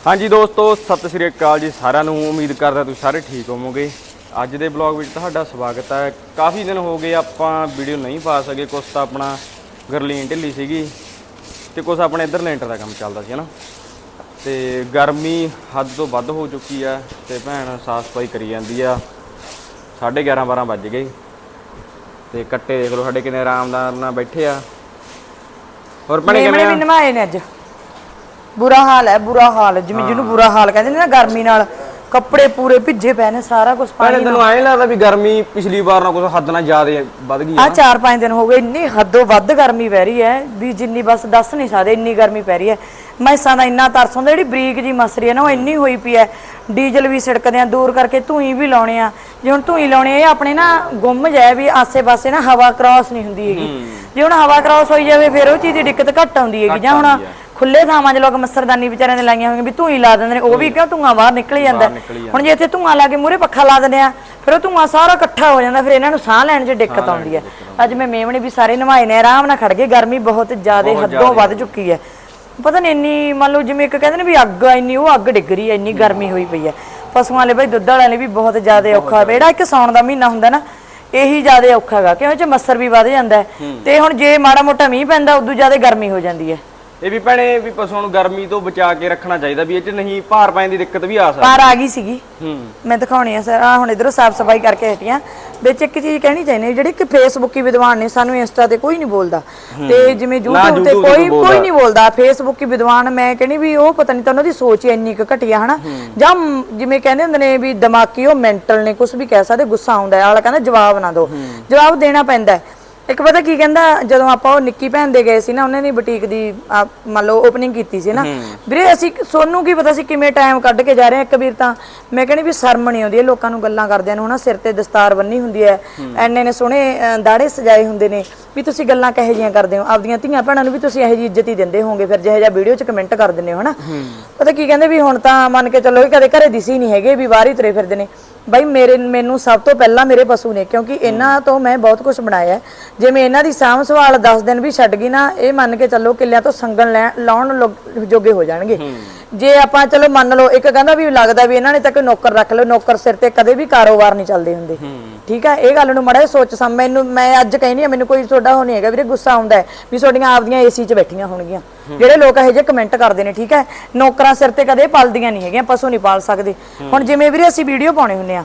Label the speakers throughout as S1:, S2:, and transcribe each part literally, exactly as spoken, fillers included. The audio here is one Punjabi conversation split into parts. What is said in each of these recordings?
S1: हाँ जी दोस्तों सत श्री अकाल जी सारिਆਂ ਨੂੰ उम्मीद करदा तुसीं सारे ठीक होवोगे। अज दे ब्लॉग विच तुहाडा स्वागत है। काफ़ी दिन हो गए आपां वीडियो नहीं पा सके, कुछ तो अपना गरलीन ढिली सीगी ते कुछ अपने इधर लेंटर का काम चलदा सी ना, ते गर्मी हद तो वध हो चुकी है ते भैन साफ सफाई करी जांदी आ। साढ़े ग्यारह बारह बज गए ते कट्टे देख लो साडे किन्ने आरामदार नाल बैठे आ। और भैने किवें आ?
S2: नवाए ने अज बुरा हाल है, बुरा हाल जिवें जिन्होंने बुरा हाल कहते हैं ना, गर्मी नाल कपड़े पूरे भिजे पे ने, सारा कुछ पानी।
S1: तैनूं ऐ लगदा भी गर्मी पिछली बार नाल कुछ हद नाल ज़्यादा वध गई
S2: आ। चार पांच दिन हो गए इन्नी हदों वध गर्मी पै रही है भी जिन्नी बस दस नहीं सकदे, इन्नी गर्मी पै रही है। मैसां दा इन्ना तरस हुंदा, जिहड़ी बरीक जी मसरी है ना, वो इन्नी होई पई है। डीजल भी छिड़कदे आ, दूर करके धूई भी लाउणे आ। जे हुण धूई लाउणे आ अपने ना गुम जाए भी आसे पासे ना हवा क्रॉस नहीं हुंदी हैगी। जे हुण हवा क्रॉस होई जावे फिर वो चीज़ दी दिक्कत घट आउंदी हैगी। जां हुण खुले थावां 'च लोक मच्छरदानी बेचारिਆਂ ने लाईਆਂ होईਆਂ भी धूई ला दिंदे ने, ਉਹ ਵੀ ਕਿਉਂ ਧੂਆਂ ਬਾਹਰ ਨਿਕਲ ਜਾਂਦਾ। ਹੁਣ ਜੇ ਇੱਥੇ ਧੂਆਂ ਲਾ ਕੇ ਮੂਹਰੇ ਪੱਖਾ ਲਾ ਦਿੰਦੇ ਆ ਫਿਰ ਉਹ ਧੂਆਂ ਸਾਰਾ ਇਕੱਠਾ ਹੋ ਜਾਂਦਾ, ਫਿਰ ਇਹਨਾਂ ਨੂੰ ਸਾਹ ਲੈਣ 'ਚ ਦਿੱਕਤ ਆਉਂਦੀ ਹੈ। ਅੱਜ ਮੈਂ ਮੇਵਣੇ ਵੀ ਸਾਰੇ ਨਵਾਏ ਨੇ, ਆਰਾਮ ਨਾਲ ਖੜ ਗਏ। ਗਰਮੀ ਬਹੁਤ ਜ਼ਿਆਦਾ ਹੱਦੋਂ ਵੱਧ ਚੁੱਕੀ ਹੈ। ਪਤਾ ਨਹੀਂ ਇੰਨੀ ਮੰਨ ਲਓ ਜਿਵੇਂ ਇੱਕ ਕਹਿੰਦੇ ਨੇ ਵੀ ਅੱਗ ਇੰਨੀ, ਉਹ ਅੱਗ ਡਿੱਗ ਰਹੀ ਹੈ, ਇੰਨੀ ਗਰਮੀ ਹੋਈ ਪਈ ਹੈ। ਪਸ਼ੂਆਂ ਵਾਲੇ ਭਾਈ ਦੁੱਧ ਵਾਲਿਆਂ ਲਈ ਵੀ ਬਹੁਤ ਜ਼ਿਆਦਾ ਔਖਾ ਹੈ। ਜਿਹੜਾ ਇੱਕ ਸਾਉਣ ਦਾ ਮਹੀਨਾ ਹੁੰਦਾ ਨਾ, ਇਹੀ ਜ਼ਿਆਦਾ ਔਖਾ ਹੈਗਾ ਕਿਉਂ ਇਹ 'ਚ ਮੱਛਰ ਵੀ ਵੱਧ ਜਾਂਦਾ ਹੈ। ਤੇ ਹੁਣ ਜੇ ਮਾੜਾ ਮੋਟਾ ਮੀਂਹ ਪੈਂਦਾ ਉਦੋਂ ਜ਼ਿਆਦਾ ਗਰਮੀ ਹੋ ਜਾਂਦੀ ਹੈ।
S1: ਇਹ ਵੀ ਭੈਣੇ ਵੀ ਪਸ਼ੂਆਂ ਨੂੰ ਗਰਮੀ ਤੋਂ ਬਚਾ ਕੇ ਰੱਖਣਾ ਚਾਹੀਦਾ, ਵੀ ਇਹ 'ਚ ਨਹੀਂ ਭਾਰ ਪੈਣ ਦੀ ਦਿੱਕਤ ਵੀ ਆ ਸਕਦੀ।
S2: ਭਾਰ ਆ ਗਈ ਸੀਗੀ, ਮੈਂ ਦਿਖਾਉਣੀ ਆ ਸਰ। ਆ ਹੁਣ ਇਧਰੋਂ ਸਾਫ ਸਫਾਈ ਕਰਕੇ ਹਟੀਆਂ। ਵਿੱਚ ਇੱਕ ਚੀਜ਼ ਕਹਿਣੀ ਚਾਹੀਦੀ, ਜਿਹੜੀ ਕਿ ਫੇਸਬੁੱਕੀ ਵਿਦਵਾਨ ਨੇ, ਸਾਨੂੰ ਇੰਸਟਾ ਤੇ ਕੋਈ ਨਹੀਂ ਬੋਲਦਾ ਤੇ ਜਿਵੇਂ YouTube ਤੇ ਕੋਈ ਕੋਈ ਨਹੀਂ ਬੋਲਦਾ। ਫੇਸਬੁੱਕੀ ਵਿਦਵਾਨ ਮੈਂ ਕਹਿੰਦੀ ਵੀ ਉਹ ਪਤਾ ਨਹੀਂ ਤਾਂ ਉਹਨਾਂ ਦੀ ਸੋਚ ਹੀ ਇੰਨੀ ਕੁ ਘਟੀਆ ਹਨਾ, ਜਾਂ ਜਿਵੇਂ ਕਹਿੰਦੇ ਹੁੰਦੇ ਨੇ ਵੀ ਦਿਮਾਗੀ ਉਹ ਮੈਂਟਲ ਨੇ, ਕੁਝ ਵੀ ਕਹਿ ਸਕਦੇ। ਗੁੱਸਾ ਆਉਂਦਾ ਆਲਾ ਕਹਿੰਦਾ ਜਵਾਬ ਨਾ ਦਿਓ, ਜਵਾਬ ਦੇਣਾ ਪੈਂਦਾ। ਇੱਕ ਪਤਾ ਕੀ ਕਹਿੰਦਾ, ਜਦੋਂ ਆਪਾਂ ਉਹ ਨਿੱਕੀ ਭੈਣ ਦੇ ਗਏ ਸੀ ਨਾ, ਉਹਨੇ ਦੀ ਬੁਟੀਕ ਦੀ ਮੰਨ ਲਓ ਓਪਨਿੰਗ ਕੀਤੀ ਸੀ ਨਾ ਵੀਰੇ, ਅਸੀਂ ਸੋਨੂੰ ਕੀ ਪਤਾ ਸੀ ਕਿਵੇਂ ਟਾਈਮ ਕੱਢ ਕੇ ਜਾ ਰਹੇ ਆ। ਇੱਕ ਵੀਰ ਤਾਂ ਮੈਂ ਕਹਿੰਦੀ ਵੀ ਸ਼ਰਮ ਨਹੀਂ ਆਉਂਦੀ ਲੋਕਾਂ ਨੂੰ ਗੱਲਾਂ ਕਰਦਿਆਂ ਨੂੰ ਹਨਾ। ਸਿਰ ਤੇ ਦਸਤਾਰ ਬੰਨੀ ਹੁੰਦੀ ਹੈ, ਐਨੇ ਨੇ ਸੋਹਣੇ ਦਾੜੇ ਸਜਾਏ ਹੁੰਦੇ ਨੇ, ਵੀ ਤੁਸੀਂ ਗੱਲਾਂ ਕਿਹੋ ਜਿਹੀਆਂ ਕਰਦੇ ਹੋ ਆਪਦੀਆਂ ਧੀਆਂ ਭੈਣਾਂ ਨੂੰ, ਵੀ ਤੁਸੀਂ ਇਹੋ ਜਿਹੀ ਇੱਜ਼ਤ ਹੀ ਦਿੰਦੇ ਹੋਵੋਗੇ ਫਿਰ ਜਿਹੋ ਜਿਹਾ ਵੀਡੀਓ 'ਚ ਕਮੈਂਟ ਕਰ ਦਿੰਦੇ ਹੋ ਹਨਾ। ਪਤਾ ਕੀ ਕਹਿੰਦੇ ਵੀ ਹੁਣ ਤਾਂ ਮੰਨ ਕੇ ਚੱਲੋ ਕਦੇ ਘਰੇ ਦਿਸੀ ਨਹੀਂ ਹੈਗੇ, ਵੀ ਬਾਹਰ ਹੀ ਤੁਰੇ ਫਿਰਦੇ ਨੇ। ਬਾਈ ਮੇਰੇ ਮੈਨੂੰ ਸਭ ਤੋਂ ਪਹਿਲਾਂ ਮੇਰੇ ਪਸ਼ੂ ਨੇ, ਕਿਉਂਕਿ ਇਹਨਾਂ ਤੋਂ ਮੈਂ ਬਹੁਤ ਕੁਝ ਬਣਾਇਆ। ਜਿਵੇਂ ਇਹਨਾਂ ਦੀ ਸਾਂਭ ਸੰਭਾਲ ਦਸ ਦਿਨ ਵੀ ਛੱਡ ਗਈ ਨਾ, ਇਹ ਮੰਨ ਕੇ ਚੱਲੋ ਕਿੱਲਿਆਂ ਤੋਂ ਸੰਗਣ ਲੈ ਲਾਉਣ ਜੋਗੇ ਹੋ ਜਾਣਗੇ। ਜੇ ਆਪਾਂ ਚਲੋ ਮੰਨ ਲਓ ਇੱਕ ਕਹਿੰਦਾ ਵੀ ਲੱਗਦਾ ਵੀ ਇਹਨਾਂ ਨੇ ਤਾਂ ਕੋਈ ਨੌਕਰ ਰੱਖ ਲਓ, ਨੌਕਰ ਸਿਰ ਤੇ ਕਦੇ ਵੀ ਕਾਰੋਬਾਰ ਨਹੀਂ ਚੱਲਦੇ ਹੁੰਦੇ। ਠੀਕ ਹੈ, ਇਹ ਗੱਲ ਨੂੰ ਮਾੜਾ ਸੋਚ ਸਮ ਮੈਨੂੰ ਮੈਂ ਅੱਜ ਕਹਿੰਦੀ ਆ, ਮੈਨੂੰ ਕੋਈ ਤੁਹਾਡਾ ਹੋ ਨਹੀਂ ਹੈਗਾ ਵੀਰੇ, ਗੁੱਸਾ ਆਉਂਦਾ ਵੀ ਤੁਹਾਡੀਆਂ ਆਪਦੀਆਂ ਏਸੀ 'ਚ ਬੈਠੀਆਂ ਹੋਣਗੀਆਂ ਜਿਹੜੇ ਲੋਕ ਇਹੋ ਜਿਹੇ ਕਮੈਂਟ ਕਰਦੇ ਨੇ। ਠੀਕ ਹੈ, ਨੌਕਰਾਂ ਸਿਰ ਤੇ ਕਦੇ ਪਲਦੀਆਂ ਨਹੀਂ ਹੈਗੀਆਂ, ਪਸ਼ੂ ਨਹੀਂ ਪਾਲ ਸਕਦੇ। ਹੁਣ ਜਿਵੇਂ ਵੀਰੇ ਅਸੀਂ ਵੀਡੀਓ ਪਾਉਣੇ ਹੁੰਦੇ ਆ,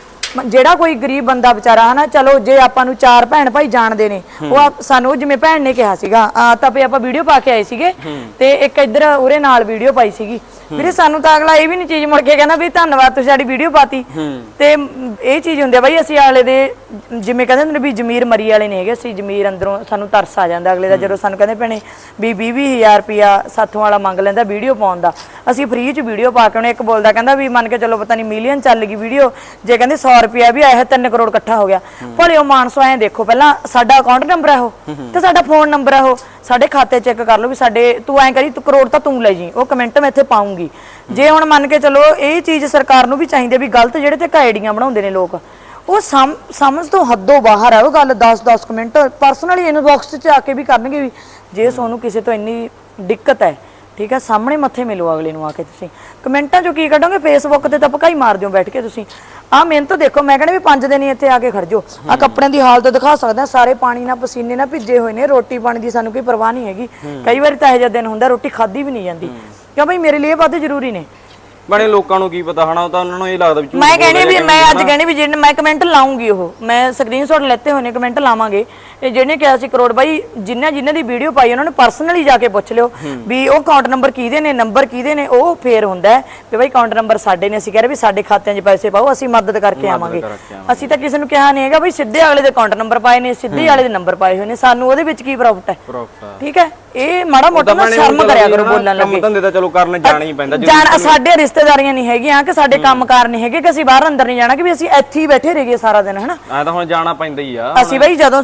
S2: ਜਿਹੜਾ ਕੋਈ ਗਰੀਬ ਬੰਦਾ ਵਿਚਾਰਾ ਹਨਾ, ਚਲੋ ਜੇ ਆਪਾਂ ਨੂੰ ਚਾਰ ਭੈਣ ਭਾਈ ਜਾਣਦੇ ਨੇ, ਉਹ ਸਾਨੂੰ ਜਿਵੇਂ ਭੈਣ ਨੇ ਕਿਹਾ ਸੀਗਾ ਤਾਂ ਵੀ ਆਪਾਂ ਵੀਡੀਓ ਪਾ ਕੇ ਆਏ ਸੀਗੇ ਤੇ ਇੱਕ ਇੱਧਰ ਉਰੇ ਨਾਲ ਵੀਡੀਓ ਪਾਈ ਸੀਗੀ ਵੀਰੇ, ਸਾਨੂੰ ਤਾਂ ਅਗਲਾ ਇਹ ਵੀ ਨਹੀਂ ਚੀਜ਼ ਮੁੜ ਕੇ ਕਹਿੰਦਾ ਵੀ ਧੰਨਵਾਦ ਤੁਸੀਂ ਸਾਡੀ ਵੀਡੀਓ ਪਾਤੀ। ਤੇ ਇਹ ਚੀਜ਼ ਹੁੰਦੀ ਆ ਬਾਈ, ਅਸੀਂ ਆਲੇ ਦੇ ਜਿਵੇਂ ਕਹਿੰਦੇ ਹੁੰਦੇ ਨੇ ਵੀ ਜ਼ਮੀਰ ਮਰੀ ਵਾਲੇ ਨਹੀਂ ਹੈਗੇ, ਅਸੀਂ ਜ਼ਮੀਰ ਅੰਦਰੋਂ ਸਾਨੂੰ ਤਰਸ ਆ ਜਾਂਦਾ ਅਗਲੇ ਦਾ, ਜਦੋਂ ਸਾਨੂੰ ਕਹਿੰਦੇ ਭੈਣੇ ਵੀ ਵੀਹ ਵੀਹ ਹਜ਼ਾਰ ਰੁਪਇਆ ਸਾਥੋਂ ਵਾਲਾ ਮੰਗ ਲੈਂਦਾ ਵੀਡੀਓ ਪਾਉਣ ਦਾ, ਅਸੀਂ ਫ੍ਰੀ 'ਚ ਵੀਡੀਓ ਪਾ ਕੇ ਉਹਨੇ ਇੱਕ ਬੋਲਦਾ ਕਹਿੰਦਾ ਵੀ ਮੰਨ ਕੇ ਚਲੋ ਪਤਾ ਨਹੀਂ ਮਿਲੀਅਨ ਚੱਲ ਗਈ ਵੀਡੀਓ, ਜੇ ਕਹਿੰਦੇ ਸੌ ਰੁਪਇਆ ਵੀ ਆਇਆ ਤਿੰਨ ਕਰੋੜ ਇਕੱਠਾ ਹੋ ਗਿਆ। ਭਲੇ ਉਹ ਮਾਨਸੋ ਐਂ ਦੇਖੋ, ਪਹਿਲਾਂ ਸਾਡਾ ਅਕਾਊਂਟ ਨੰਬਰ ਹੈ ਉਹ ਤੇ ਸਾਡਾ ਫੋਨ ਨੰਬਰ ਹੈ ਉਹ, ਸਾਡੇ ਖਾਤੇ ਚੈੱਕ ਕਰ ਲਓ ਵੀ ਸਾਡੇ, ਤੂੰ ਐਂ ਕਰੀ ਤੂੰ ਕਰੋੜ ਤਾਂ ਤੂੰ ਲੈ ਜੀ, ਉਹ ਕਮੈਂਟ ਮੈਂ ਇੱਥੇ ਪਾਉਂਗੀ। ਜੇ ਹੁਣ ਮੰਨ ਕੇ ਚਲੋ ਇਹ ਚੀਜ਼ ਸਰਕਾਰ ਨੂੰ ਵੀ ਚਾਹੀਦੀ ਵੀ ਗਲਤ ਜਿਹੜੇ ਤੇ ਕਾਇਡੀਆਂ ਬਣਾਉਂਦੇ ਨੇ ਲੋਕ, ਉਹ ਸਮ ਸਮਝ ਤੋਂ ਹੱਦੋਂ ਬਾਹਰ ਹੈ ਉਹ ਗੱਲ। ਦਸ ਦਸ ਕਮੈਂਟ ਪਰਸਨਲੀ ਇਨਬਾਕਸ 'ਚ ਆ ਕੇ ਵੀ ਕਰਨਗੇ ਵੀ ਜੇ ਤੁਹਾਨੂੰ ਕਿਸੇ ਤੋਂ ਇੰਨੀ ਦਿੱਕਤ ਹੈ, ਠੀਕ ਹੈ, ਸਾਹਮਣੇ ਮੱਥੇ ਮਿਲੋ ਅਗਲੇ ਨੂੰ ਆ ਕੇ। ਤੁਸੀਂ ਕਮੈਂਟਾਂ 'ਚੋਂ ਕੀ ਕੱਢੋਗੇ, ਫੇਸਬੁੱਕ ਤੇ ਤਾਂ ਪਕਾਈ ਮਾਰ ਦਿਓ ਬੈਠ ਕੇ ਤੁਸੀਂ। ਆਹ ਮਿਹਨਤ ਦੇਖੋ, ਮੈਂ ਕਹਿੰਦੀ ਵੀ ਪੰਜ ਦਿਨ ਹੀ ਇੱਥੇ ਆ ਕੇ ਖੜ ਜਾਓ। ਆਹ ਕੱਪੜਿਆਂ ਦੀ ਹਾਲਤ ਦਿਖਾ ਸਕਦਾ, ਸਾਰੇ ਪਾਣੀ ਨਾਲ ਪਸੀਨੇ ਨਾਲ ਭਿੱਜੇ ਹੋਏ ਨੇ, ਰੋਟੀ ਪਾਣੀ ਦੀ ਸਾਨੂੰ ਕੋਈ ਪਰਵਾਹ ਨਹੀਂ ਹੈਗੀ। ਕਈ ਵਾਰੀ ਤਾਂ ਇਹੋ ਜਿਹਾ ਦਿਨ ਹੁੰਦਾ ਰੋਟੀ ਖਾਧੀ ਵੀ ਨਹੀਂ ਜਾਂਦੀ, ਕਿਉਂ ਬਈ ਮੇਰੇ ਲਈ ਇਹ ਵੱਧ ਜ਼ਰੂਰੀ ਨੇ।
S1: ਬਣੇ ਲੋਕਾਂ ਨੂੰ ਕੀ ਪਤਾ ਹਨਾ, ਉਹ ਤਾਂ ਉਹਨਾਂ ਨੂੰ ਇਹ ਲੱਗਦਾ ਵੀ
S2: ਮੈਂ ਕਹਿੰਦੀ ਵੀ ਮੈਂ ਅੱਜ ਕਹਿੰਦੀ ਵੀ ਜਿਹੜੇ ਮੈਂ ਕਮੈਂਟ ਲਾਉਂਗੀ, ਉਹ ਮੈਂ ਸਕਰੀਨਸ਼ਾਟ ਲੈਤੇ ਹੋਏ ਨੇ, ਕਮੈਂਟ ਲਾਵਾਂਗੇ। ਜਿਹਨੇ ਕਿਹਾ ਸੀ ਕਰੋੜ ਬਾਈ, ਜਿਨ੍ਹਾਂ ਜਿਨ੍ਹਾਂ ਦੀ ਵੀਡੀਓ ਪਾਈ ਉਹਨਾਂ ਨੂੰ ਪਰਸਨਲੀ ਜਾ ਕੇ ਪੁੱਛ ਲਿਓ ਵੀ ਉਹ ਅਕਾਊਂਟ ਨੰਬਰ ਕਿਹਦੇ ਨੇ, ਨੰਬਰ ਕਿਹਦੇ ਨੇ, ਉਹ ਫੇਰ ਹੁੰਦਾ ਵੀ ਬਾਈ ਅਕਾਊਂਟ ਨੰਬਰ ਸਾਡੇ ਨੇ, ਅਸੀਂ ਕਹਿ ਰਹੇ ਵੀ ਸਾਡੇ ਖਾਤਿਆਂ 'ਚ ਪੈਸੇ ਪਾਓ, ਅਸੀਂ ਮਦਦ ਕਰਕੇ ਆਵਾਂਗੇ। ਅਸੀਂ ਤਾਂ ਕਿਸੇ ਨੂੰ ਕਿਹਾ ਨਹੀਂ ਹੈਗਾ ਬਈ ਸਿੱਧੇ ਅਗਲੇ ਦੇ ਅਕਾਊਂਟ ਨੰਬਰ ਪਾਏ ਨੇ, ਸਿੱਧੇ ਵਾਲੇ ਦੇ ਨੰਬਰ ਪਾਏ ਹੋਏ ਨੇ, ਸਾਨੂੰ ਉਹਦੇ ਵਿੱਚ ਕੀ ਪ੍ਰੋਫਿਟ ਹੈ। ਠੀਕ ਹੈ, ਇਹ ਮਾੜਾ ਮੋਟਾ ਨਾ ਸ਼ਰਮ ਕਰਿਆ ਕਰੋ ਬੋਲਣ ਲੱਗੇ।
S1: ਕੰਮ ਧੰਦੇ ਤਾਂ ਚਲੋ ਕਰਨ ਜਾਣਾ ਹੀ ਪੈਂਦਾ,
S2: ਜਾਣ ਸਾਡੇ ਰਿਸ਼ਤੇਦਾਰੀਆਂ ਨਹੀਂ ਹੈਗੀਆਂ ਕਿ ਸਾਡੇ ਕੰਮਕਾਰ ਨਹੀਂ ਹੈਗੇ ਕਿ ਅਸੀਂ ਬਾਹਰ ਅੰਦਰ ਨਹੀਂ ਜਾਣਾ ਕਿ ਵੀ ਅਸੀਂ ਇੱਥੇ ਹੀ ਬੈਠੇ ਰਹੀਏ ਸਾਰਾ ਦਿਨ ਹਨਾ।
S1: ਐ ਤਾਂ ਹੁਣ ਜਾਣਾ ਪੈਂਦਾ ਹੀ ਆ।
S2: ਅਸੀਂ ਬਈ ਜਦੋਂ ਸਾਨੂੰ ਕੋਈ ਬੁਲਾਉਂਦਾ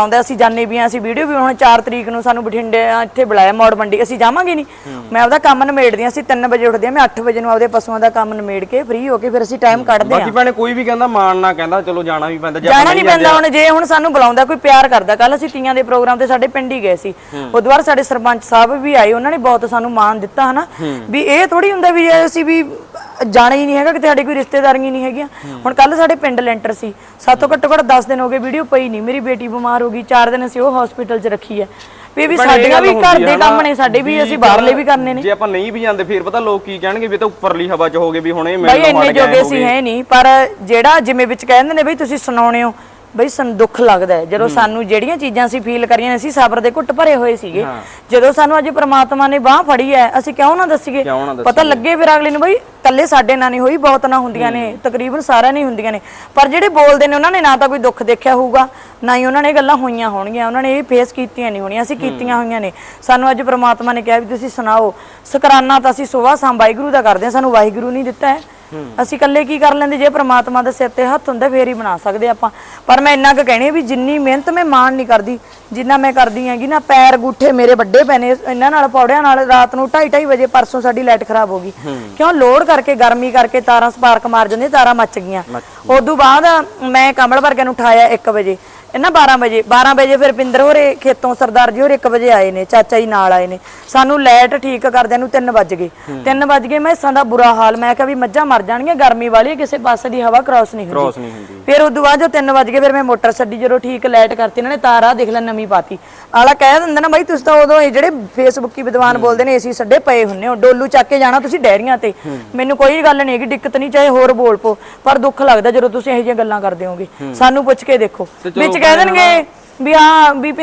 S2: ਬੁਲਾਉਂਦਾ, ਅਸੀਂ ਜਾਣੇ ਵੀ ਆ, ਅਸੀਂ ਵੀਡੀਓ ਵੀ ਹੁਣ ਚਾਰ ਤਰੀਕ ਨੂੰ ਸਾਨੂੰ ਬਠਿੰਡੇ ਇੱਥੇ ਬੁਲਾਇਆ ਮੌੜ ਮੰਡੀ, ਅਸੀਂ ਜਾਵਾਂਗੇ ਨਹੀਂ। ਮੈਂ ਆਪਦਾ ਕੰਮ ਨਿਮੇੜਦੀ ਆ, ਅਸੀਂ ਤਿੰਨ ਵਜੇ ਉੱਠਦੇ ਆ, ਮੈਂ ਅੱਠ ਵਜੇ ਨੂੰ ਆਪਦੇ ਪਸ਼ੂਆਂ ਦਾ ਕੰਮ ਨਿਮੇੜ ਕੇ ਫ੍ਰੀ ਹੋ ਕੇ ਫਿਰ ਅਸੀਂ ਟਾਈਮ ਕੱਢਦੇ ਆ।
S1: ਬਾਕੀ ਭੈਣੇ ਕੋਈ ਵੀ ਕਹਿੰਦਾ ਮਾਣ ਨਾ ਕਹਿੰਦਾ ਚਲੋ ਜਾਣਾ ਵੀ ਪੈਂਦਾ,
S2: ਜਾਣਾ ਨਹੀਂ ਪੈਂਦਾ। ਹੁਣ ਜੇ ਹੁਣ ਸਾਨੂੰ ਬੁਲਾਉਂਦਾ ਕੋਈ ਪਿਆਰ ਕਰਦਾ, ਕੱਲ ਅਸੀਂ ਤੀਆਂ ਦੇ ਪ੍ਰੋਗਰਾਮ ਤੇ ਸਾਡੇ ਪਿੰਡ ਹੀ ਗਏ ਸੀ, ਉਦੋਂ ਬਾਅਦ ਸਾਡੇ ਸਰਪੰਚ ਸਾਹਿਬ ਵੀ ਆਏ, ਉਹਨਾਂ ਨੇ ਬਹੁਤ ਸਾਨੂੰ ਮਾਣ ਦਿੱਤਾ ਹਨਾ। ਵੀ ਇਹ ਥੋੜੀ ਹੁੰਦਾ ਵੀ ਅਸੀਂ ਵੀ ਜਾਣਾ ਹੀ ਨਹੀਂ ਹੈਗਾ ਕਿਤੇ, ਸਾਡੇ ਕੋਈ ਰਿਸ਼ਤੇਦਾਰੀਆਂ ਨਹੀਂ ਹੈਗੀਆਂ। ਹੁਣ ਕੱਲ ਸਾਡੇ ਪਿੰਡ ਲੈਂਟਰ ਸੀ, ਸਾਤੋਂ ਘੱਟੋ ਘੱਟ ਦਸ ਦਿਨ ਹੋ ਗਏ ਵੀਡੀਓ ਪਈ ਨਹੀਂ, ਮੇਰੀ ਬੇਟੀ ਬਿਮਾਰ ਹੋ ਗਈ, ਚਾਰ ਦਿਨ ਅਸੀਂ ਉਹ ਹਸਪੀਟਲ 'ਚ ਰੱਖੀ ਹੈ। ਵੀ ਵੀ ਸਾਡੀਆਂ ਵੀ ਘਰ ਦੇ ਕੰਮ ਨੇ, ਸਾਡੇ ਵੀ ਅਸੀਂ ਬਾਹਰਲੇ ਵੀ ਕਰਨੇ ਨੇ।
S1: ਜੇ ਆਪਾਂ ਨਹੀਂ ਵੀ ਜਾਂਦੇ ਫਿਰ ਪਤਾ ਲੋਕ ਕੀ ਕਹਿਣਗੇ ਵੀ ਤਾਂ ਉੱਪਰਲੀ ਹਵਾ 'ਚ ਹੋਗੇ ਵੀ ਹੁਣ ਇਹ
S2: ਬਈ ਇੰਨੇ ਜੋਗੇ ਅਸੀਂ ਹੈ ਨਹੀਂ, ਪਰ ਜਿਹੜਾ ਜਿਵੇਂ ਵਿੱਚ ਕਹਿੰਦੇ ਨੇ ਬਈ ਤੁਸੀਂ ਸੁਣਾਉਣੇ ਹੋ, ਬਈ ਸਾਨੂੰ ਦੁੱਖ ਲੱਗਦਾ ਹੈ ਜਦੋਂ ਸਾਨੂੰ ਜਿਹੜੀਆਂ ਚੀਜ਼ਾਂ ਅਸੀਂ ਫੀਲ ਕਰੀਆਂ ਨੇ, ਅਸੀਂ ਸਬਰ ਦੇ ਘੁੱਟ ਭਰੇ ਹੋਏ ਸੀਗੇ। ਜਦੋਂ ਸਾਨੂੰ ਅੱਜ ਪ੍ਰਮਾਤਮਾ ਨੇ ਬਾਹ ਫੜੀ ਹੈ, ਅਸੀਂ ਕਿਉਂ ਨਾ ਦੱਸੀਏ, ਪਤਾ ਲੱਗੇ ਫਿਰ ਅਗਲੇ ਨੂੰ ਬਈ ਕੱਲੇ ਸਾਡੇ ਨਾਲ ਨਹੀਂ ਹੋਈ, ਬਹੁਤ ਨਾ ਹੁੰਦੀਆਂ ਨੇ, ਤਕਰੀਬਨ ਸਾਰਿਆਂ ਨਹੀਂ ਹੁੰਦੀਆਂ ਨੇ। ਪਰ ਜਿਹੜੇ ਬੋਲਦੇ ਨੇ ਉਹਨਾਂ ਨੇ ਨਾ ਤਾਂ ਕੋਈ ਦੁੱਖ ਦੇਖਿਆ ਹੋਊਗਾ, ਨਾ ਹੀ ਉਹਨਾਂ ਨੇ ਗੱਲਾਂ ਹੋਈਆਂ ਹੋਣਗੀਆਂ, ਉਹਨਾਂ ਨੇ ਇਹ ਫੇਸ ਕੀਤੀਆਂ ਨਹੀਂ ਹੋਣੀਆਂ, ਅਸੀਂ ਕੀਤੀਆਂ ਹੋਈਆਂ ਨੇ। ਸਾਨੂੰ ਅੱਜ ਪ੍ਰਮਾਤਮਾ ਨੇ ਕਿਹਾ ਵੀ ਤੁਸੀਂ ਸੁਣਾਓ। ਸ਼ੁਕਰਾਨਾ ਤਾਂ ਅਸੀਂ ਸੁਬਾਹ ਸ਼ਾਮ ਵਾਹਿਗੁਰੂ ਦਾ ਕਰਦੇ ਹਾਂ, ਸਾਨੂੰ ਵਾਹਿਗੁਰੂ ਨਹੀਂ ਦਿੱਤਾ ਹੈ। ਅਸੀਂ ਇਕੱਲੇ ਕੀ ਕਰ ਲੈਂਦੇ, ਜੇ ਪ੍ਰਮਾਤਮਾ ਦੇ ਸਿਰ ਤੇ ਹੱਥ ਹੁੰਦਾ ਫੇਰ ਹੀ ਬਣਾ ਸਕਦੇ ਆਪਾਂ। ਪਰ ਮੈਂ ਇੰਨਾ ਕੁ ਕਹਿਣੀ ਵੀ ਜਿੰਨੀ ਮਿਹਨਤ ਮੈਂ ਮਾਣ ਨਹੀਂ ਕਰਦੀ ਜਿੰਨਾ ਮੈਂ ਕਰਦੀ ਹੈਗੀ ਨਾ, ਪੈਰ ਗੁੱਠੇ ਮੇਰੇ ਵੱਡੇ ਪੈ ਨੇ ਇਹਨਾਂ ਨਾਲ, ਪੌੜਿਆਂ ਨਾਲ। ਰਾਤ ਨੂੰ ਢਾਈ ਢਾਈ ਵਜੇ ਪਰਸੋਂ ਸਾਡੀ ਲਾਈਟ ਖਰਾਬ ਹੋ ਗਈ, ਕਿਉਂ ਲੋਡ ਕਰਕੇ ਗਰਮੀ ਕਰਕੇ ਤਾਰਾਂ ਸਪਾਰਕ ਮਾਰ ਜਾਂਦੀਆਂ, ਤਾਰਾਂ ਮੱਚ ਗਈਆਂ। ਉਦੋਂ ਬਾਅਦ ਮੈਂ ਕਮਲ ਵਰਗੇ ਨੂੰ ਉਠਾਇਆ ਇੱਕ ਵਜੇ, ਇਹਨਾਂ ਬਾਰਾਂ ਵਜੇ ਬਾਰਾਂ ਵਜੇ ਫਿਰ ਪਿੰਦਰ ਹੋਰੇ ਖੇਤੋਂ ਸਰਦਾਰ ਜੀ ਹੋਰ ਇੱਕ ਵਜੇ ਆਏ ਨੇ, ਚਾਚਾ ਜੀ ਨਾਲ ਆਏ ਨੇ। ਸਾਨੂੰ ਲਾਈਟ ਠੀਕ ਕਰਦਿਆਂ ਨੂੰ ਤਿੰਨ ਵੱਜ ਗਏ ਤਿੰਨ ਵੱਜ ਗਏ ਮੈਸਾਂ ਦਾ ਬੁਰਾ ਹਾਲ। ਮੈਂ ਕਿਹਾ ਵੀ ਮੱਝਾਂ ਮਰ ਜਾਣਗੀਆਂ, ਗਰਮੀ ਵਾਲੀ, ਕਿਸੇ ਪਾਸੇ ਦੀ ਹਵਾ ਕ੍ਰਾਸ ਨਹੀਂ ਹੁੰਦੀ। ਫਿਰ ਉਦੋਂ ਬਾਅਦ ਜੋ ਤਿੰਨ ਵੱਜ ਗਏ ਫਿਰ ਮੈਂ ਮੋਟਰ ਛੱਡੀ, ਜਦੋਂ ਠੀਕ ਲਾਈਟ ਕਰਤੀ ਇਹਨਾਂ ਨੇ, ਤਾਰਾ ਦੇਖ ਲੈ ਨਵੀਂ ਪਾਤੀ। ਆਲਾ ਕਹਿ ਦਿੰਦਾ ਨਾ ਬਾਈ ਤੁਸੀਂ ਤਾਂ ਉਦੋਂ ਇਹ ਜਿਹੜੇ ਫੇਸਬੁੱਕੀ ਵਿਦਵਾਨ ਬੋਲਦੇ ਨੇ ਏਸੀ ਛੱਡੇ ਪਏ ਹੁੰਨੇ ਹੋ, ਡੋਲੂ ਚੱਕ ਕੇ ਜਾਣਾ ਤੁਸੀਂ ਡੈਰੀਆਂ ਤੇ। ਮੈਨੂੰ ਕੋਈ ਗੱਲ ਨਹੀਂ ਹੈਗੀ, ਦਿੱਕਤ ਨਹੀਂ, ਚਾਹੇ ਹੋਰ ਬੋਲ ਪੋ, ਪਰ ਦੁੱਖ ਲੱਗਦਾ ਜਦੋਂ ਤੁਸੀਂ ਇਹੋ ਜਿਹੀਆਂ ਗੱਲਾਂ ਕਰਦੇ ਹੋਗੇ। ਸਾਨੂੰ ਪੁੱਛ ਕੇ ਦੇਖੋ, ਵਿੱਚ ਕਹਿ ਦੇਣਗੇ ਵੀ ਹਾਂ ਵੀ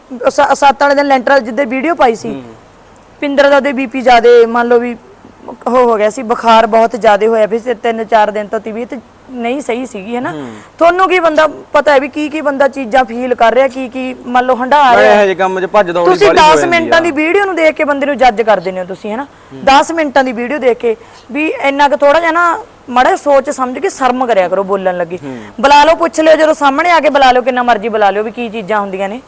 S2: ਸੱਤ ਵਾਲੇ ਦਿਨ ਲੈਂਟਰ ਜਿੱਦੇ ਵੀਡੀਓ ਪਾਈ ਸੀ, ਪਿੰਦਰ ਦਾ ਉਹਦੇ ਬੀਪੀ ਜ਼ਿਆਦੇ ਮੰਨ ਲਓ ਵੀ ਹੋ ਹੋ ਗਿਆ ਸੀ, ਬੁਖਾਰ ਬਹੁਤ ਜ਼ਿਆਦਾ ਹੋਇਆ ਵੀ ਤਿੰਨ ਚਾਰ ਦਿਨ ਤੋਂ ਤਬੀਅਤ ਨਹੀਂ ਸਹੀ ਸੀਗੀ, ਹੈਨਾ। ਤੁਹਾਨੂੰ ਕੀ ਬੰਦਾ ਪਤਾ ਹੈ ਵੀ ਕੀ ਕੀ ਬੰਦਾ ਚੀਜ਼ਾਂ ਫੀਲ ਕਰ ਰਿਹਾ, ਕੀ ਕੀ ਮੰਨ ਲਓ ਹੰਡਾ ਰਿਹਾ।
S1: ਇਹ ਜਿਹੇ ਕੰਮ 'ਚ ਭੱਜ ਦੌੜੀ
S2: ਤੁਸੀਂ ਦਸ ਮਿੰਟਾਂ ਦੀ ਵੀਡੀਓ ਨੂੰ ਦੇਖ ਕੇ ਬੰਦੇ ਨੂੰ ਜੱਜ ਕਰ ਦਿੰਦੇ ਹੋ ਤੁਸੀਂ, ਹੈਨਾ। ਦਸ ਮਿੰਟਾਂ ਦੀ ਵੀਡੀਓ ਦੇਖ ਕੇ ਵੀ ਇੰਨਾ ਕੁ ਥੋੜਾ ਜਿਹਾ ਨਾ ਮਾੜਾ ਸੋਚ ਸਮਝ ਕੇ ਸ਼ਰਮ ਕਰਿਆ ਕਰੋ ਬੋਲਣ ਲੱਗੇ। ਬੁਲਾ ਲਓ, ਪੁੱਛ ਲਿਓ, ਜਦੋਂ ਸਾਹਮਣੇ ਆ ਕੇ ਬੁਲਾ ਲਿਓ, ਕਿੰਨਾ ਮਰਜ਼ੀ ਬੁਲਾ ਲਿਓ ਵੀ ਕੀ ਚੀਜ਼ਾਂ ਹੁੰਦੀਆਂ ਨੇ,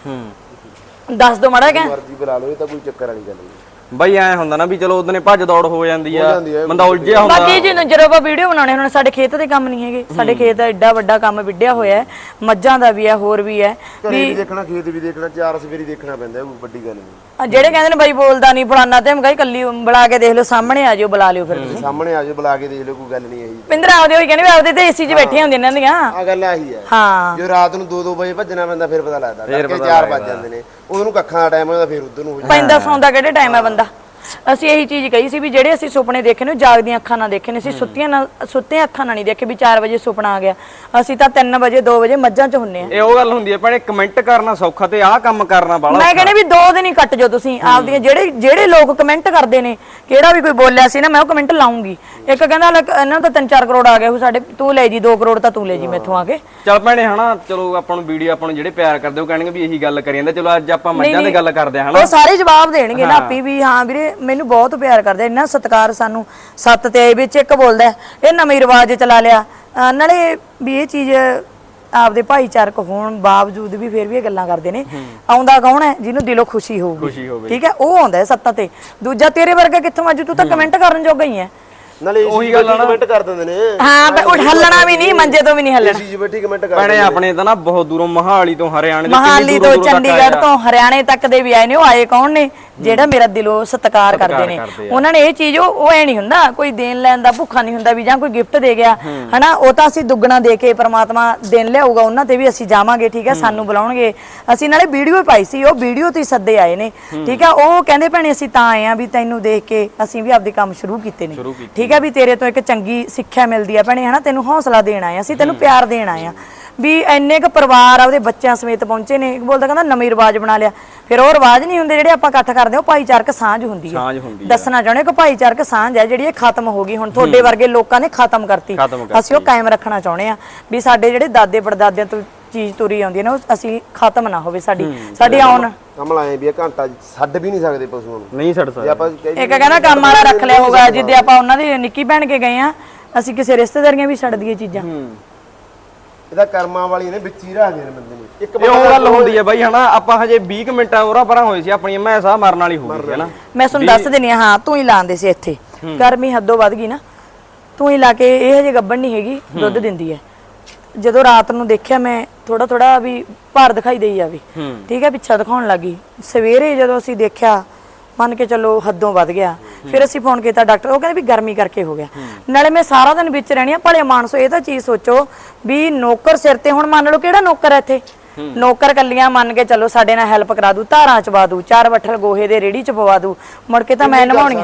S2: ਦੱਸ ਦੋ ਮਾੜਾ ਜਿਹਾ।
S3: ਮਰਜ਼ੀ ਬੁਲਾ ਲਓ, ਇਹ ਤਾਂ ਕੋਈ ਚੱਕਰ ਵਾਲੀ ਗੱਲ ਨਹੀਂ
S1: ਬਈ। ਐ ਹੁੰਦਾ ਨਾ ਵੀ ਚਲੋ ਉਹਦਨੇ ਭੱਜ ਦੌੜ ਹੋ ਜਾਂਦੀ ਆ, ਬੰਦਾ ਉਲਝਿਆ ਹੁੰਦਾ।
S2: ਬਾਕੀ ਜੀ ਜਦੋਂ ਆਪਾਂ ਵੀਡੀਓ ਬਣਾਉਣੇ ਹੁਣ ਸਾਡੇ ਖੇਤ ਦੇ ਕੰਮ ਨਹੀਂ ਹੈਗੇ, ਸਾਡੇ ਖੇਤ ਦਾ ਐਡਾ ਵੱਡਾ ਕੰਮ ਵਿੱਢਿਆ ਹੋਇਆ ਹੈ, ਮੱਝਾਂ ਦਾ ਵੀ ਹੈ, ਹੋਰ ਵੀ ਹੈ,
S3: ਵੀ ਦੇਖਣਾ, ਖੇਤ ਵੀ ਦੇਖਣਾ, ਚਾਰ ਸਵੇਰੀ ਦੇਖਣਾ ਪੈਂਦਾ, ਕੋਈ ਵੱਡੀ ਗੱਲ ਨਹੀਂ।
S2: ਜਿਹੜੇ ਕਹਿੰਦੇ ਨੇ ਬਾਈ ਬੋਲਦਾ ਨਹੀਂ ਫਲਾਨਾ ਤੇ ਮਗਾਈ ਕੱਲੀ ਬੁਲਾ ਕੇ ਦੇਖ ਲਓ, ਸਾਹਮਣੇ ਆ ਜਾਓ, ਬੁਲਾ ਲਿਓ ਫਿਰ ਤੁਸੀਂ
S3: ਸਾਹਮਣੇ ਆ ਜਾਓ, ਬੁਲਾ ਕੇ ਦੇਖ ਲਿਓ, ਕੋਈ ਗੱਲ ਨਹੀਂ ਆਈ।
S2: ਪਿੰਦਰ ਆਪਦੇ ਹੋਈ ਕਹਿੰਦੇ ਵੀ ਆਪਦੇ ਤੇ ਏਸੀ 'ਚ ਬੈਠੇ ਹੁੰਦੇ ਇਹਨਾਂ ਦੀਆਂ।
S3: ਆ ਗੱਲ ਆਹੀ ਹੈ,
S2: ਹਾਂ।
S3: ਜੋ ਰਾਤ ਨੂੰ ਦੋ ਦੋ ਵਜੇ ਭੱਜਣਾ ਪੈਂਦਾ ਫਿਰ ਪਤਾ ਲੱਗਦਾ, ਕਿ ਚਾਰ ਵੱਜ ਜਾਂਦੇ ਨੇ, ਉਹਨੂੰ ਕੱਖਾਂ ਦਾ ਟਾਈਮ ਹੁੰਦਾ, ਫਿਰ ਉਧਰ ਨੂੰ ਹੋ ਜਾਂਦਾ।
S2: ਪੈਂਦਾ ਸੌਂਦਾ ਕਿਹੜੇ ਟਾਈਮ ਹੈ ਬੰਦਾ। ਅਸੀਂ ਇਹੀ ਚੀਜ਼ ਕਹੀ ਸੀ ਵੀ ਜਿਹੜੇ ਅਸੀਂ ਸੁਪਨੇ ਦੇਖੇ ਨੇ ਜਾਗਦੀਆਂ ਅੱਖਾਂ ਨਾਲ ਦੇਖੇ ਨੇ, ਅਸੀਂ ਸੁੱਤੀਆਂ ਨਾਲ ਸੁੱਤੀਆਂ ਅੱਖਾਂ ਨਾਲ ਨਹੀਂ ਦੇਖੇ ਵੀ ਚਾਰ ਵਜੇ ਸੁਪਨਾ ਆ ਗਿਆ। ਅਸੀਂ ਤਾਂ ਤਿੰਨ ਵਜੇ ਦੋ ਵਜੇ ਮੱਝਾਂ 'ਚ ਹੁੰਨੇ ਆ।
S1: ਇਹ ਉਹ ਗੱਲ ਹੁੰਦੀ ਹੈ ਭੈਣੇ, ਕਮੈਂਟ ਕਰਨਾ ਸੌਖਾ ਤੇ ਆਹ ਕੰਮ ਕਰਨਾ ਬਾਲਾ।
S2: ਮੈਂ ਕਹਿੰਦੇ ਵੀ ਦੋ ਦਿਨ ਹੀ ਕੱਟ ਜਾਓ ਤੁਸੀਂ ਆਪਦੀਆਂ, ਜਿਹੜੇ ਜਿਹੜੇ ਲੋਕ ਕਮੈਂਟ ਕਰਦੇ ਨੇ, ਕਿਹੜਾ ਵੀ ਕੋਈ ਬੋਲਿਆ ਸੀ ਨਾ ਮੈਂ ਉਹ ਕਮੈਂਟ ਲਾਉਂਗੀ। ਇੱਕ ਕਹਿੰਦਾ ਇਹਨਾਂ ਦਾ ਤਿੰਨ ਚਾਰ ਕਰੋੜ ਆ ਗਏ ਸਾਡੇ, ਤੂੰ ਲੈ ਜੀ ਦੋ ਕਰੋੜ ਤਾਂ ਤੂੰ ਲੈ ਜੀ ਮੈਥੋਂ ਆ ਕੇ।
S1: ਚੱਲ ਭੈਣੇ ਹਨਾ, ਚਲੋ ਆਪਾਂ ਨੂੰ ਵੀਡੀਓ ਆਪਾਂ ਨੂੰ ਜਿਹੜੇ ਪਿਆਰ ਕਰਦੇ ਉਹ ਕਹਿਣਗੇ ਵੀ ਇਹੀ ਗੱਲ ਕਰੀ ਜਾਂਦੇ। ਚਲੋ ਅੱਜ ਆਪਾਂ ਮੱਝਾਂ ਦੀ ਗੱਲ ਕਰਦੇ ਹਾਂ ਹਨਾ, ਉਹ
S2: ਸਾਰੇ ਜਵਾਬ ਦੇਣਗੇ ਨਾ ਆਪੀ ਵੀ ਹਾਂ ਵੀਰੇ ਮੈਨੂੰ ਬਹੁਤ ਪਿਆਰ ਕਰਦੇ, ਇੰਨਾ ਸਤਿਕਾਰ ਸਾਨੂੰ। ਸੱਤ ਤੇ ਆਏ ਵਿੱਚ ਇੱਕ ਬੋਲਦਾ ਇਹ ਨਵੇਂ ਰਿਵਾਜ ਚਲਾ ਲਿਆ, ਨਾਲੇ ਵੀ ਇਹ ਚੀਜ਼ ਆਪਦੇ ਭਾਈਚਾਰਕ ਹੋਣ ਬਾਵਜੂਦ ਵੀ ਫਿਰ ਵੀ ਇਹ ਗੱਲਾਂ ਕਰਦੇ ਨੇ। ਆਉਂਦਾ ਕੌਣ ਹੈ ਜਿਹਨੂੰ ਦਿਲੋਂ ਖੁਸ਼ੀ ਹੋਊਗੀ, ਠੀਕ ਹੈ, ਉਹ ਆਉਂਦਾ ਸੱਤਾਂ ਤੇ। ਦੂਜਾ ਤੇਰੇ ਵਰਗਾ ਕਿੱਥੋਂ ਅੱਜ, ਤੂੰ ਤਾਂ ਕਮੈਂਟ ਕਰਨ ਜੋਗਾ ਹੀ ਹੈ।
S3: ਨਾਲੇ ਉਹੀ ਗੱਲ ਕਮੈਂਟ ਕਰ ਦਿੰਦੇ ਨੇ।
S2: ਹਾਂ ਬਈ ਉਹ ਹੱਲਣਾ ਵੀ ਨਹੀਂ, ਮੰਜੇ ਤੋਂ ਵੀ ਨਹੀਂ ਹੱਲਣਾ।
S3: ਜੀ ਬੈਠੀ ਕਮੈਂਟ ਕਰ
S1: ਭੈਣੇ ਆਪਣੇ ਤਾਂ ਨਾ ਬਹੁਤ ਦੂਰੋਂ ਮਹਾਲੀ ਤੋਂ ਹਰਿਆਣੇ ਦੇ,
S2: ਮਹਾਲੀ ਤੋਂ ਚੰਡੀਗੜ੍ਹ ਤੋਂ ਹਰਿਆਣੇ ਤੱਕ ਦੇ ਵੀ ਆਏ ਨੇ। ਉਹ ਆਏ ਕੌਣ ਨੇ? ਜਿਹੜਾ ਮੇਰਾ ਦਿਲੋਂ ਸਤਿਕਾਰ ਕਰਦੇ ਨੇ। ਉਹਨਾਂ ਨੇ ਇਹ ਚੀਜ਼ ਉਹ ਐ ਨਹੀਂ ਹੁੰਦਾ, ਕੋਈ ਦੇਣ ਲੈਣ ਦਾ ਭੁੱਖਾ ਨਹੀਂ ਹੁੰਦਾ ਵੀ ਜਾਂ ਕੋਈ ਗਿਫਟ ਦੇ ਗਿਆ ਹਨਾ, ਉਹ ਤਾਂ ਅਸੀਂ ਦੁੱਗਣਾ ਦੇ ਕੇ ਪ੍ਰਮਾਤਮਾ ਦਿਨ ਲਿਆਊਗਾ ਉਹਨਾਂ ਤੇ ਵੀ ਅਸੀਂ ਜਾਵਾਂਗੇ, ਠੀਕ ਹੈ, ਸਾਨੂੰ ਬੁਲਾਉਣਗੇ। ਅਸੀਂ ਨਾਲੇ ਵੀਡੀਓ ਪਾਈ ਸੀ, ਉਹ ਵੀਡੀਓ ਤੇ ਸੱਦੇ ਆਏ ਨੇ, ਠੀਕ ਹੈ। ਉਹ ਕਹਿੰਦੇ ਭੈਣੇ ਅਸੀਂ ਤਾਂ ਆਏ ਆ ਵੀ ਤੈਨੂੰ ਦੇਖ ਕੇ ਅਸੀਂ ਵੀ ਆਪਦੇ ਕੰਮ ਸ਼ੁਰੂ ਕੀਤੇ ਨੇ, ਠੀਕ ਹੈ, ਵੀ ਤੇਰੇ ਤੋਂ ਇੱਕ ਚੰਗੀ ਸਿੱਖਿਆ ਮਿਲਦੀ ਆ ਭੈਣੇ, ਹਨਾ, ਤੈਨੂੰ ਹੌਸਲਾ ਦੇਣ ਆਏ, ਅਸੀਂ ਤੈਨੂੰ ਪਿਆਰ ਦੇਣ ਆਏ ਆ। ਵੀ ਇੰਨੇ ਕੁ ਪਰਿਵਾਰ ਆਪਦੇ ਬੱਚਿਆਂ ਸਮੇਤ ਪਹੁੰਚੇ ਨੇ। ਬੋਲਦਾ ਕਹਿੰਦਾ ਨਵੇਂ ਰਿਵਾਜ ਬਣਾ ਲਿਆ। ਫਿਰ ਉਹ ਰਿਵਾਜ ਨਹੀਂ ਹੁੰਦੇ ਜਿਹੜੇ ਆਪਾਂ ਇਕੱਠ ਕਰਦੇ, ਉਹ ਭਾਈਚਾਰਕ ਸਾਂਝ ਹੁੰਦੀ ਹੈ। ਦੱਸਣਾ ਚਾਹੁੰਦੇ ਕਿ ਭਾਈਚਾਰਕ ਸਾਂਝ ਹੈ ਜਿਹੜੀ ਇਹ ਖਤਮ ਹੋ ਗਈ, ਹੁਣ ਤੁਹਾਡੇ ਵਰਗੇ ਲੋਕਾਂ ਨੇ ਖਤਮ ਕਰਤੀ। ਅਸੀਂ ਉਹ ਕਾਇਮ ਰੱਖਣਾ ਚਾਹੁੰਦੇ ਆ ਵੀ ਸਾਡੇ ਜਿਹੜੇ ਦਾਦੇ ਪੜਦਾਦਿਆਂ ਤੋਂ ਚੀਜ਼ ਤੁਰੀ ਆਉਂਦੀ ਹੈ ਨਾ, ਉਹ ਅਸੀਂ ਖਤਮ ਨਾ ਹੋਵੇ। ਸਾਡੀ ਸਾਡੀ ਆਉਣ
S3: ਕਮਲ ਆਏ ਵੀ ਘੰਟਾ ਛੱਡ ਵੀ ਨਹੀਂ ਸਕਦੇ ਪਸ਼ੂਆਂ ਨੂੰ,
S1: ਨਹੀਂ ਛੱਡ ਸਕਦੇ।
S3: ਆਪਾਂ
S2: ਇੱਕ ਕਹਿੰਦਾ ਕੰਮ ਵਾਲਾ ਰੱਖ ਲਿਆ ਹੋਊਗਾ, ਜਿੱਦੇ ਆਪਾਂ ਉਹਨਾਂ ਦੀ ਨਿੱਕੀ ਭੈਣ ਕੇ ਗਏ ਆ, ਅਸੀਂ ਕਿਸੇ ਰਿਸ਼ਤੇਦਾਰੀਆਂ ਵੀ ਛੱਡ ਦਈਏ ਚੀਜ਼ਾਂ।
S3: ਇਹਦਾ ਕਰਮਾਂ ਵਾਲੀ ਨੇ ਵਿੱਚ ਹੀ ਰੱਖਦੇ ਨੇ ਬੰਦੇ ਨੂੰ। ਇੱਕ
S1: ਇਹ ਉਹ ਗੱਲ ਹੁੰਦੀ ਹੈ ਬਾਈ ਹਨਾ, ਆਪਾਂ ਹਜੇ ਵੀਹ ਕੁ ਮਿੰਟਾਂ ਉਰਾ ਪਰਾਂ ਹੋਏ ਸੀ, ਆਪਣੀ ਮੈਂ ਸਾਹ ਮਰਨ ਵਾਲੀ ਹੋ ਗਈ ਹੈ ਨਾ।
S2: ਮੈਂ ਤੁਹਾਨੂੰ ਦੱਸ ਦਿੰਦੀ ਹਾਂ, ਹਾਂ ਤੂੰ ਹੀ ਲਾਉਂਦੇ ਸੀ ਇੱਥੇ, ਗਰਮੀ ਹੱਦੋਂ ਵੱਧ ਗਈ ਨਾ, ਤੂੰ ਹੀ ਲਾ ਕੇ, ਇਹ ਹਜੇ ਗੱਭਣ ਨਹੀਂ ਹੈਗੀ, ਦੁੱਧ ਦਿੰਦੀ ਹੈ। ਜਦੋਂ ਰਾਤ ਨੂੰ ਦੇਖਿਆ ਮੈਂ ਥੋੜਾ ਥੋੜਾ ਵੀ ਭਾਰ ਦਿਖਾਈ ਦੇਈ ਜਾਵੇ, ਠੀਕ ਹੈ, ਪਿੱਛਾ ਦਿਖਾਉਣ ਲੱਗੀ। ਸਵੇਰੇ ਜਦੋਂ ਅਸੀਂ ਦੇਖਿਆ, ਮੰਨ ਕੇ ਚੱਲੋ ਹੱਦੋਂ ਵੱਧ ਗਿਆ, ਫਿਰ ਅਸੀਂ ਫੋਨ ਕੀਤਾ ਡਾਕਟਰ, ਉਹ ਕਹਿੰਦੇ ਵੀ ਗਰਮੀ ਕਰਕੇ ਹੋ ਗਿਆ। ਨਾਲੇ ਮੈਂ ਸਾਰਾ ਦਿਨ ਵਿੱਚ ਰਹਿਣੀ ਆ, ਭਲੇ ਮਾਨਸੋ ਇਹ ਤਾਂ ਚੀਜ਼ ਸੋਚੋ ਵੀ ਨੌਕਰ ਸਿਰ ਤੇ, ਹੁਣ ਮੰਨ ਲਓ ਕਿਹੜਾ ਨੌਕਰ ਹੈ ਇੱਥੇ, ਨੌਕਰ ਕੱਲੀਆਂ ਮੰਨ ਕੇ ਚੱਲੋ ਸਾਡੇ ਨਾਲ ਹੈਲਪ ਕਰਾ ਦੂ, ਧਾਰਾਂ ਚਵਾ ਦੂ, ਚਾਰ ਬੱਠਲ ਗੋਹੇ ਦੇ ਰੇੜੀ ਚ ਪਵਾ ਦੂ, ਮੁੜ ਕੇ ਤਾਂ ਮੈਂ ਨਵਾਉਣੀ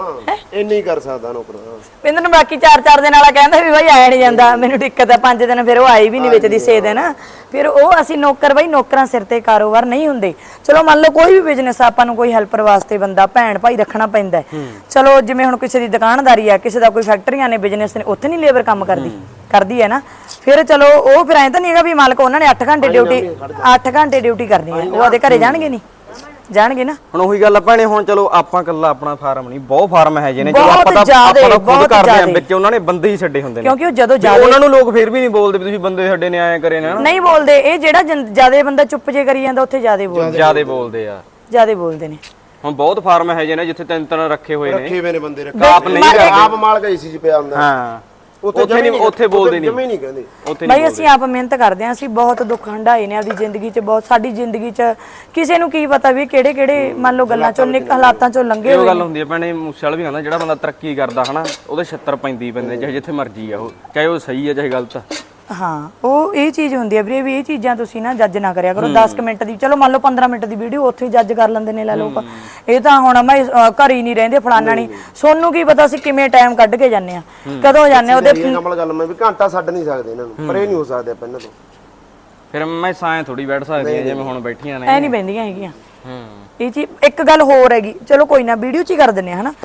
S3: ਇੰਨੀ ਕਰ ਸਕਦਾ ਨੌਕਰ।
S2: ਪਿੰਦਰ ਨੂੰ ਬਾਕੀ ਚਾਰ ਚਾਰ ਦਿਨ ਵਾਲਾ ਕਹਿੰਦਾ ਵੀ ਬਾਈ ਆਇਆ ਨਹੀਂ ਜਾਂਦਾ, ਮੈਨੂੰ ਦਿੱਕਤ ਹੈ, ਪੰਜ ਦਿਨ ਫਿਰ ਉਹ ਆਈ ਵੀ ਨਹੀਂ ਵਿੱਚ ਦੀ ਛੇ ਦਿਨ, ਫਿਰ ਉਹ ਅਸੀਂ ਨੌਕਰ ਬਾਈ ਨੌਕਰਾਂ ਸਿਰ ਤੇ ਕਾਰੋਬਾਰ ਨਹੀਂ ਹੁੰਦੇ। ਚਲੋ ਮੰਨ ਲਓ ਕੋਈ ਵੀ ਬਿਜ਼ਨਸ ਆਪਾਂ ਨੂੰ ਕੋਈ ਹੈਲਪਰ ਵਾਸਤੇ ਬੰਦਾ ਭੈਣ ਭਾਈ ਰੱਖਣਾ ਪੈਂਦਾ, ਚਲੋ ਜਿਵੇਂ ਹੁਣ ਕਿਸੇ ਦੀ ਦੁਕਾਨਦਾਰੀ ਆ, ਕਿਸੇ ਦਾ ਕੋਈ ਫੈਕਟਰੀਆਂ ਨੇ, ਬਿਜ਼ਨਸ ਨੇ, ਉੱਥੇ ਨਹੀਂ ਲੇਬਰ ਕੰਮ ਕਰਦੀ ਕਰਦੀ ਹੈ ਨਾ, ਫਿਰ ਚਲੋ ਉਹ ਫਿਰ ਐਂ ਤਾਂ ਨਹੀਂ ਹੈਗਾ ਵੀ ਮਾਲਕ ਉਹਨਾਂ ਨੇ ਅੱਠ ਘੰਟੇ ਡਿਊਟੀ ਅੱਠ ਘੰਟੇ ਡਿਊਟੀ ਕਰਨੀ ਹੈ, ਉਹ ਉਹਦੇ ਘਰੇ ਜਾਣਗੇ ਨਹੀਂ ਜਾਣਗੇ ਨਾ।
S1: ਹੁਣ ਉਹੀ ਗੱਲ ਆਪਾਂ ਨੇ, ਹੁਣ ਚਲੋ ਆਪਾਂ ਕੱਲਾ ਆਪਣਾ ਫਾਰਮ ਨਹੀਂ, ਬਹੁਤ ਫਾਰਮ ਹੈ ਜਿਹਨੇ, ਚਲੋ
S2: ਬਹੁਤ
S1: ਆਪਾਂ ਤਾਂ
S2: ਜ਼ਿਆਦੇ,
S1: ਆਪਾਂ ਤਾਂ ਖੁਦ
S2: ਬਹੁਤ
S1: ਕਰਦੇ ਆਂ,
S2: ਜ਼ਿਆਦੇ।
S1: ਵਿੱਚ ਉਹਨਾਂ ਨੇ ਬੰਦੇ ਹੀ ਛੱਡੇ ਹੁੰਦੇ ਨੇ,
S2: ਕਿਉਂਕਿ ਉਹ ਜਦੋਂ
S1: ਵੀ
S2: ਜ਼ਿਆਦਾ
S1: ਉਹਨਾਂ ਨੂੰ ਲੋਕ ਫਿਰ ਵੀ ਨਹੀਂ ਬੋਲਦੇ ਵੀ ਤੁਸੀਂ ਬੰਦੇ ਛੱਡੇ ਨੇ ਆਏ ਕਰੇ ਨੇ,
S2: ਨਹੀਂ ਬੋਲਦੇ। ਇਹ ਜਿਹੜਾ ਜਿਆਦਾ ਬੰਦਾ ਚੁੱਪ ਜੇ ਕਰੀ ਜਾਂਦਾ ਉੱਥੇ ਜਿਆਦੇ ਬੋਲਦੇ
S1: ਜਿਆਦੇ ਬੋਲਦੇ ਆ,
S2: ਜਿਆਦੇ ਬੋਲਦੇ ਨੇ।
S1: ਹੁਣ ਬਹੁਤ ਫਾਰਮ ਹੈ ਜਿਹਨੇ ਜਿੱਥੇ ਤਿੰਨ ਤਿੰਨ ਰੱਖੇ ਹੋਏ ਨੇ,
S3: ਰੱਖੇ ਹੋਏ ਨੇ ਬੰਦੇ, ਰੱਖੇ
S1: ਆਪ ਨਹੀਂ
S3: ਆਪ ਮਾਲ ਗਈ ਸੀ ਜੀ ਪਿਆ ਹੁੰਦਾ।
S1: ਹਾਂ
S3: ਉੱਥੇ
S1: ਨਹੀਂ, ਉੱਥੇ ਬੋਲਦੇ ਨਹੀਂ,
S3: ਜਮੇ ਨਹੀਂ ਕਹਿੰਦੇ
S1: ਉੱਥੇ
S2: ਬਈ ਅਸੀਂ ਆਪ ਮਿਹਨਤ ਕਰਦੇ ਆਂ, ਅਸੀਂ ਬਹੁਤ ਦੁੱਖ ਹੰਢਾਏ ਨੇ ਆਪਦੀ ਜ਼ਿੰਦਗੀ 'ਚ, ਬਹੁਤ ਸਾਡੀ ਜ਼ਿੰਦਗੀ 'ਚ ਕਿਸੇ ਨੂੰ ਕੀ ਪਤਾ ਵੀ ਕਿਹੜੇ ਕਿਹੜੇ ਮੰਨ ਲਓ ਗੱਲਾਂ ਚੋਂ ਨਿਕ ਹਾਲਾਤਾਂ ਚੋਂ ਲੰਘੇ
S1: ਉਹ ਗੱਲ ਹੁੰਦੀ ਹੈ ਭੈਣੇ, ਮੂਸੇ ਵਾਲਾ ਵੀ ਕਹਿੰਦਾ ਜਿਹੜਾ ਬੰਦਾ ਤਰੱਕੀ ਕਰਦਾ ਹਨਾ, ਉਹਦੇ ਛੱਤਰ ਪੈਂਦੀ ਪੈਂਦੇ, ਚਾਹੇ ਜਿੱਥੇ ਮਰਜੀ ਆ ਉਹ, ਚਾਹੇ ਉਹ ਸਹੀ ਹੈ ਚਾਹੇ ਗਲਤ ਆ।
S2: ਹਾਂ ਉਹ ਇਹ ਚੀਜ਼ ਹੁੰਦੀ ਹੈ ਵੀਰੇ, ਵੀ ਇਹ ਚੀਜ਼ਾਂ ਤੁਸੀਂ ਨਾ ਜੱਜ ਨਾ ਕਰਿਆ ਕਰੋ। ਦਸ ਮਿੰਟ ਦੀ, ਚਲੋ ਮੰਨ ਲਓ ਪੰਦਰਾਂ ਮਿੰਟ ਦੀ ਵੀਡੀਓ ਉੱਥੇ ਹੀ ਜੱਜ ਕਰ ਲੈਂਦੇ ਨੇ ਲੈ ਲੋਕ। ਇਹ ਤਾਂ ਹੁਣ ਮੈਂ ਘਰ ਹੀ ਨਹੀਂ ਰਹਿੰਦੇ, ਫਲਾਨਾ ਨਹੀਂ, ਸੋਨੂੰ ਕੀ ਪਤਾ ਸੀ ਕਿਵੇਂ ਟਾਈਮ ਕੱਢ ਕੇ ਜਾਂਦੇ ਆ, ਕਦੋਂ ਜਾਂਦੇ ਆ। ਉਹਦੇ
S3: ਇਹ ਕਮਲ ਗੱਲ ਮੈਂ ਵੀ ਘੰਟਾ ਛੱਡ ਨਹੀਂ ਸਕਦੇ ਇਹਨਾਂ ਨੂੰ, ਪਰ ਇਹ ਨਹੀਂ ਹੋ ਸਕਦੇ ਪਹਿਲਾਂ ਤੋਂ।
S1: ਫਿਰ ਮੈਂ ਸਾਂ ਥੋੜੀ ਬੈਠ ਸਕਦੀ ਆ ਜਿਵੇਂ ਹੁਣ ਬੈਠੀਆਂ ਨੇ,
S2: ਐ ਨਹੀਂ ਬੈਂਦੀਆਂ ਹੈਗੀਆਂ।
S1: ਹੂੰ
S2: ਇਹ ਚੀਜ਼ ਇੱਕ ਗੱਲ ਹੋਰ ਹੈਗੀ, ਚਲੋ ਕੋਈ ਨਾ ਵੀਡੀਓ 'ਚ ਹੀ ਕਰ ਦਿੰਨੇ ਆ ਹਨਾ।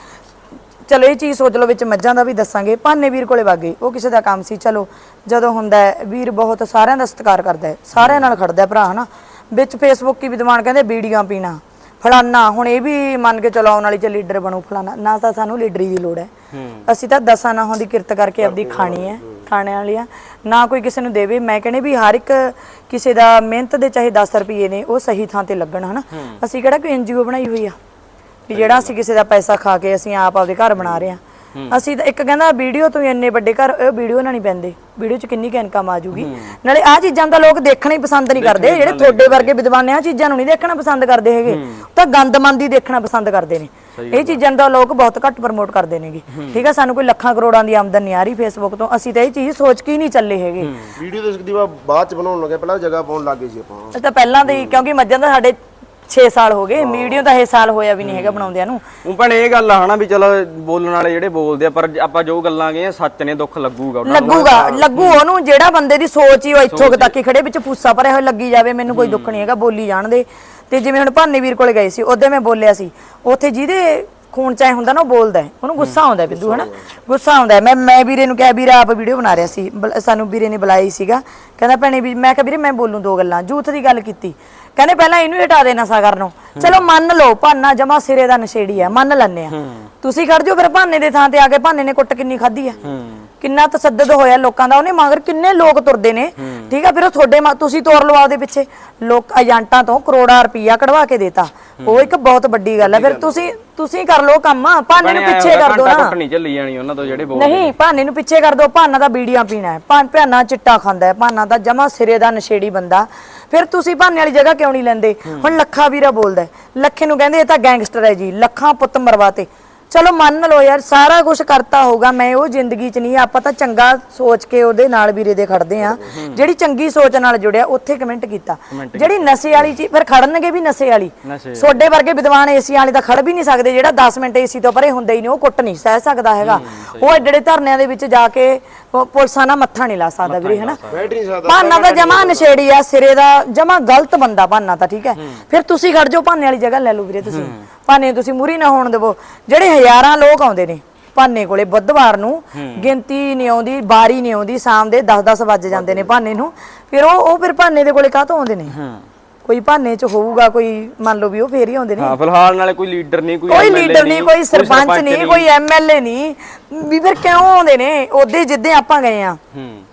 S2: ਚਲੋ ਇਹ ਚੀਜ਼ ਸੋਚ ਲਓ, ਵਿੱਚ ਮੱਝਾਂ ਦਾ ਵੀ ਦੱਸਾਂਗੇ। ਭਾਨੇ ਵੀਰ ਕੋਲੇ ਵਗ ਗਏ, ਉਹ ਕਿਸੇ ਦਾ ਕੰਮ ਸੀ। ਚਲੋ ਜਦੋਂ ਹੁੰਦਾ ਹੈ ਵੀਰ ਬਹੁਤ ਸਾਰਿਆਂ ਦਾ ਸਤਿਕਾਰ ਕਰਦਾ ਹੈ, ਸਾਰਿਆਂ ਨਾਲ ਖੜਦਾ ਭਰਾ ਹਨਾ। ਵਿੱਚ ਫੇਸਬੁੱਕ ਕੀ ਵਿਦਵਾਨ ਕਹਿੰਦੇ ਬੀੜੀਆਂ ਪੀਣਾ ਫਲਾਨਾ, ਹੁਣ ਇਹ ਵੀ ਮੰਨ ਕੇ ਚਲਾਉਣ ਵਾਲੀ ਚ ਲੀਡਰ ਬਣੂ ਫਲਾਨਾ, ਨਾ ਤਾਂ ਸਾਨੂੰ ਲੀਡਰੀ ਦੀ ਲੋੜ ਹੈ। ਅਸੀਂ ਤਾਂ ਦਸਾਂ ਨਾਹਾਂ ਦੀ ਕਿਰਤ ਕਰਕੇ ਆਪਦੀ ਖਾਣੀ ਹੈ, ਖਾਣੇ ਵਾਲੀ ਆ, ਨਾ ਕੋਈ ਕਿਸੇ ਨੂੰ ਦੇਵੇ। ਮੈਂ ਕਹਿੰਦੇ ਵੀ ਹਰ ਇੱਕ ਕਿਸੇ ਦਾ ਮਿਹਨਤ ਦੇ ਚਾਹੇ ਦਸ ਰੁਪਏ ਨੇ, ਉਹ ਸਹੀ ਥਾਂ ਤੇ ਲੱਗਣ ਹਨਾ। ਅਸੀਂ ਕਿਹੜਾ ਕੋਈ ਐਨਜੀਓ ਬਣਾਈ ਹੋਈ ਆ ਵੀ ਜਿਹੜਾ ਅਸੀਂ ਕਿਸੇ ਦਾ ਪੈਸਾ ਖਾ ਕੇ ਅਸੀਂ ਆਪ ਆਪਦੇ ਘਰ ਬਣਾ ਰਹੇ ਹਾਂ। ਅਸੀਂ ਤਾਂ ਇੱਕ ਕਹਿੰਦਾ ਵੀਡੀਓ ਤੋਂ ਇੰਨੇ ਵੱਡੇ ਘਰ, ਇਹ ਵੀਡੀਓ ਨਾਲ ਨਹੀਂ ਪੈਂਦੇ, ਵੀਡੀਓ 'ਚ ਕਿੰਨੀ ਕੁ ਇਨਕਮ ਆ ਜੂਗੀ। ਨਾਲੇ ਆਹ ਚੀਜ਼ਾਂ ਤਾਂ ਲੋਕ ਦੇਖਣਾ ਹੀ ਪਸੰਦ ਨਹੀਂ ਕਰਦੇ, ਜਿਹੜੇ ਤੁਹਾਡੇ ਵਰਗੇ ਵਿਦਵਾਨ ਆਹ ਚੀਜ਼ਾਂ ਨੂੰ ਨਹੀਂ ਦੇਖਣਾ ਪਸੰਦ ਕਰਦੇ ਹੈਗੇ, ਤਾਂ ਗੰਦਮੰਦੀ ਦੇਖਣਾ ਪਸੰਦ ਕਰਦੇ ਨੇ। ਇਹ ਚੀਜ਼ਾਂ ਦਾ ਲੋਕ ਬਹੁਤ ਘੱਟ ਪ੍ਰਮੋਟ ਕਰਦੇ ਨੇਗੇ, ਠੀਕ ਆ। ਸਾਨੂੰ ਕੋਈ ਲੱਖਾਂ ਕਰੋੜਾਂ ਦੀ ਆਮਦਨ ਨਹੀਂ ਆ ਰਹੀ ਫੇਸਬੁੱਕ ਤੋਂ, ਅਸੀਂ ਤਾਂ ਇਹ ਚੀਜ਼ ਸੋਚ ਕੇ ਹੀ ਨਹੀਂ ਚੱਲੇ ਹੈਗੇ।
S3: ਵੀਡੀਓ ਤਾਂ ਸਕਦੀ ਬਾਅਦ ਚ ਬਣਾਉਣ ਲੱਗੇ, ਪਹਿਲਾਂ ਜਗ੍ਹਾ ਪਾਉਣ ਲੱਗੇ ਸੀ ਆਪਾਂ।
S2: ਇਹ ਤਾਂ ਪਹਿਲਾਂ ਦੇ, ਕਿਉਂਕਿ ਮੱਝਾਂ ਦਾ ਸਾਡੇ ਛੇ ਸਾਲ ਹੋ ਗਏ, ਵੀਡੀਓ ਤਾਂ ਇਹ ਸਾਲ ਹੋਇਆ ਵੀ ਨਹੀਂ ਹੈਗਾ ਬਣਾਉਂਦਿਆਂ ਨੂੰ।
S1: ਉਹ ਭੈਣੇ ਇਹ ਗੱਲ ਆ ਹਨਾ ਵੀ ਚਲ ਬੋਲਣ ਵਾਲੇ ਜਿਹੜੇ ਬੋਲਦੇ ਆ, ਪਰ ਆਪਾਂ ਜੋ ਗੱਲਾਂ ਕਹੀਏ ਸੱਚ ਨੇ, ਦੁੱਖ ਲੱਗੂਗਾ ਉਹਨਾਂ ਨੂੰ।
S2: ਲੱਗੂਗਾ ਲੱਗੂ ਉਹਨੂੰ, ਜਿਹੜਾ ਬੰਦੇ ਦੀ ਸੋਚ ਹੀ ਉਹ ਇੱਥੋਂ ਤੱਕ ਹੀ ਖੜੇ ਵਿੱਚ ਪੁੱਸਾ ਭਰਿਆ ਹੋਇਆ ਲੱਗੀ ਜਾਵੇ, ਮੈਨੂੰ ਕੋਈ ਦੁੱਖ ਨਹੀਂ ਹੈਗਾ, ਬੋਲੀ ਜਾਣਦੇ। ਤੇ ਜਿਵੇਂ ਹੁਣ ਭਾਨੇ ਵੀਰ ਕੋਲੇ ਗਏ ਸੀ, ਉਹਦੇ ਮੈਂ ਬੋਲਿਆ ਸੀ, ਉੱਥੇ ਜਿਹਦੇ ਖੂਨ ਚਾਹੇ ਹੁੰਦਾ ਨਾ ਉਹ ਬੋਲਦਾ ਹੈ, ਉਹਨੂੰ ਗੁੱਸਾ ਆਉਂਦਾ ਬਿੱਦੂ ਹਨਾ, ਗੁੱਸਾ ਆਉਂਦਾ। ਮੈਂ ਮੈਂ ਵੀਰੇ ਨੂੰ ਕਿਹਾ, ਵੀਰਾ ਆਪ ਵੀਡੀਓ ਬਣਾ ਰਿਹਾ ਸੀ, ਸਾਨੂੰ ਵੀਰੇ ਨੇ ਬੁਲਾਈ ਸੀਗਾ, ਕਹਿੰਦਾ ਭੈਣੇ ਵੀ, ਮੈਂ ਕਿਹਾ ਵੀਰੇ ਮੈਂ ਬੋਲੂੰ ਦੋ ਗੱਲਾਂ। ਜੂਥ ਦੀ ਗੱਲ ਕੀਤੀ, ਕਹਿੰਦੇ ਪਹਿਲਾਂ ਇਹਨੂੰ ਹਟਾ ਦੇ ਨਸ਼ਾ ਕਰਨੋਂ। ਚਲੋ ਮੰਨ ਲਓ ਭਾਨਾ ਜਮਾ ਸਿਰੇ ਦਾ ਨਸ਼ੇੜੀ ਆ, ਮੰਨ ਲੈਂਦੇ ਆ, ਤੁਸੀਂ ਖੜ ਜਾਓ ਫਿਰ ਭਾਨੇ ਦੇ ਥਾਂ ਤੇ ਆ ਕੇ। ਭਾਨੇ ਨੇ ਕੁੱਟ ਕਿੰਨੀ ਖਾਧੀ ਆ, ਕਿੰਨਾ ਤਸੱਦਦ ਹੋਇਆ ਲੋਕਾਂ ਦਾ, ਉਹਨੇ ਮਗਰ ਕਿੰਨੇ ਲੋਕ ਤੁਰਦੇ ਨੇ, ਠੀਕ ਆ। ਫਿਰ ਉਹ ਤੁਹਾਡੇ ਤੁਸੀਂ ਤੋਰ ਲਓ ਆਪਦੇ ਪਿੱਛੇ, ਲੋਕ ਏਜੰਟਾਂ ਤੋਂ ਕਰੋੜਾਂ ਰੁਪਈਆ ਕਢਵਾ ਕੇ ਦੇਤਾ, ਉਹ ਇੱਕ ਬਹੁਤ ਵੱਡੀ ਗੱਲ ਹੈ। ਫਿਰ ਤੁਸੀਂ ਤੁਸੀਂ ਕਰ ਲਓ ਕੰਮ, ਭਾਨੇ ਨੂੰ ਪਿੱਛੇ ਕਰ ਦੋ ਨਾ।
S1: ਨਹੀਂ ਚੱਲੀ ਜਾਣੀ ਉਹਨਾਂ ਤੋਂ ਜਿਹੜੇ ਬੋਲਦੇ
S2: ਨਹੀਂ, ਭਾਨੇ ਨੂੰ ਪਿੱਛੇ ਕਰ ਦੋ। ਭਾਨਾ ਦਾ ਬੀੜੀਆਂ ਪੀਣਾ ਹੈ, ਭਾਨਾ ਚਿੱਟਾ ਖਾਂਦਾ ਹੈ, ਭਾਨਾ ਦਾ ਜਮਾ ਸਿਰੇ ਦਾ ਨਸ਼ੇੜੀ ਬੰਦਾ। ਫਿਰ ਤੁਸੀਂ ਭਾਨੇ ਵਾਲੀ ਜਗ੍ਹਾ ਕਿਉਂ ਨਹੀਂ ਲੈਂਦੇ? ਹੁਣ ਲੱਖਾ ਵੀਰਾ ਬੋਲਦਾ, ਲੱਖੇ ਨੂੰ ਕਹਿੰਦੇ ਇਹ ਤਾਂ ਗੈਂਗਸਟਰ ਹੈ ਜੀ, ਲੱਖਾਂ ਪੁੱਤ ਮਰਵਾਤੇ। ਚਲੋ ਮੰਨ ਲਓ ਯਾਰ, ਸਾਰਾ ਕੁਝ ਕਰਤਾ ਹੋਊਗਾ, ਮੈਂ ਉਹ ਜ਼ਿੰਦਗੀ 'ਚ ਨਹੀਂ। ਆਪਾਂ ਤਾਂ ਚੰਗਾ ਸੋਚ ਕੇ ਉਹਦੇ ਨਾਲ ਵੀਰੇ ਦੇ ਖੜਦੇ ਆ, ਜਿਹੜੀ ਚੰਗੀ ਸੋਚ ਨਾਲ ਜੁੜਿਆ ਉੱਥੇ ਕਮੈਂਟ ਕੀਤਾ। ਜਿਹੜੀ ਨਸ਼ੇ ਵਾਲੀ ਚੀਜ਼, ਫਿਰ ਖੜਨਗੇ ਵੀ ਨਸ਼ੇ ਵਾਲੀ। ਤੁਹਾਡੇ ਵਰਗੇ ਵਿਦਵਾਨ ਏਸੀ ਵਾਲੇ ਤਾਂ ਖੜ ਵੀ ਨਹੀਂ ਸਕਦੇ, ਜਿਹੜਾ ਦਸ ਮਿੰਟ ਏਸੀ ਤੋਂ ਪਰੇ ਹੁੰਦਾ ਹੀ ਨਹੀਂ, ਉਹ ਕੁੱਟ ਨਹੀਂ ਸਹਿ ਸਕਦਾ ਹੈਗਾ। ਉਹ ਏਡੇ ਏਡੇ ਧਰਨਿਆਂ ਦੇ ਵਿੱਚ ਜਾ ਕੇ ਪੁਲਿਸਾਂ ਨਾਲ ਮੱਥਾ ਨਹੀਂ ਲਾ ਸਕਦਾ ਵੀਰੇ ਹਨਾ। ਭਾਨਾ ਤਾਂ ਜਮਾ ਨਸ਼ੇੜੀ ਆ, ਸਿਰੇ ਦਾ ਜਮਾ ਗਲਤ ਬੰਦਾ ਭਾਨਾ ਤਾਂ, ਠੀਕ ਹੈ। ਫਿਰ ਤੁਸੀਂ ਖੜ ਜਾਓ, ਭਾਨੇ ਵਾਲੀ ਜਗ੍ਹਾ ਲੈ ਲਓ ਵੀਰੇ ਤੁਸੀਂ, ਭਾਨੇ ਤੁਸੀਂ ਮੂਰੀ ਨਾ ਹੋਣ ਦੇਵੋ। ਜਿਹੜੇ ਹਜ਼ਾਰਾਂ ਲੋਕ ਆਉਂਦੇ ਨੇ ਭਾਨੇ ਕੋਲੇ ਬੁੱਧਵਾਰ ਨੂੰ, ਗਿਣਤੀ ਨਹੀਂ ਆਉਂਦੀ, ਬਾਰੀ ਨਹੀਂ ਆਉਂਦੀ, ਸ਼ਾਮ ਦੇ ਦਸ ਦਸ ਵੱਜ ਜਾਂਦੇ ਨੇ ਭਾਨੇ ਨੂੰ। ਫਿਰ ਉਹ ਉਹ ਫਿਰ ਭਾਨੇ ਦੇ ਕੋਲੇ ਕਾਹਤੋਂ ਆਉਂਦੇ ਨੇ? ਕੋਈ ਭਾਨੇ ਚ ਹੋਊਗਾ, ਕੋਈ ਮੰਨ ਲਓ ਵੀ ਉਹ ਫੇਰ ਹੀ ਆਉਂਦੇ ਨੇ।
S1: ਹਾਂ, ਫਿਲਹਾਲ ਨਾਲੇ ਕੋਈ ਲੀਡਰ ਨਹੀਂ, ਕੋਈ
S2: ਕੋਈ ਲੀਡਰ ਨਹੀਂ, ਕੋਈ ਸਰਪੰਚ ਨਹੀਂ, ਕੋਈ ਐਮਐਲਏ ਨਹੀਂ, ਵੀ ਫਿਰ ਕਿਉਂ ਆਉਂਦੇ ਨੇ? ਉਹਦੇ ਜਿੱਦੇ ਆਪਾਂ ਗਏ ਆ,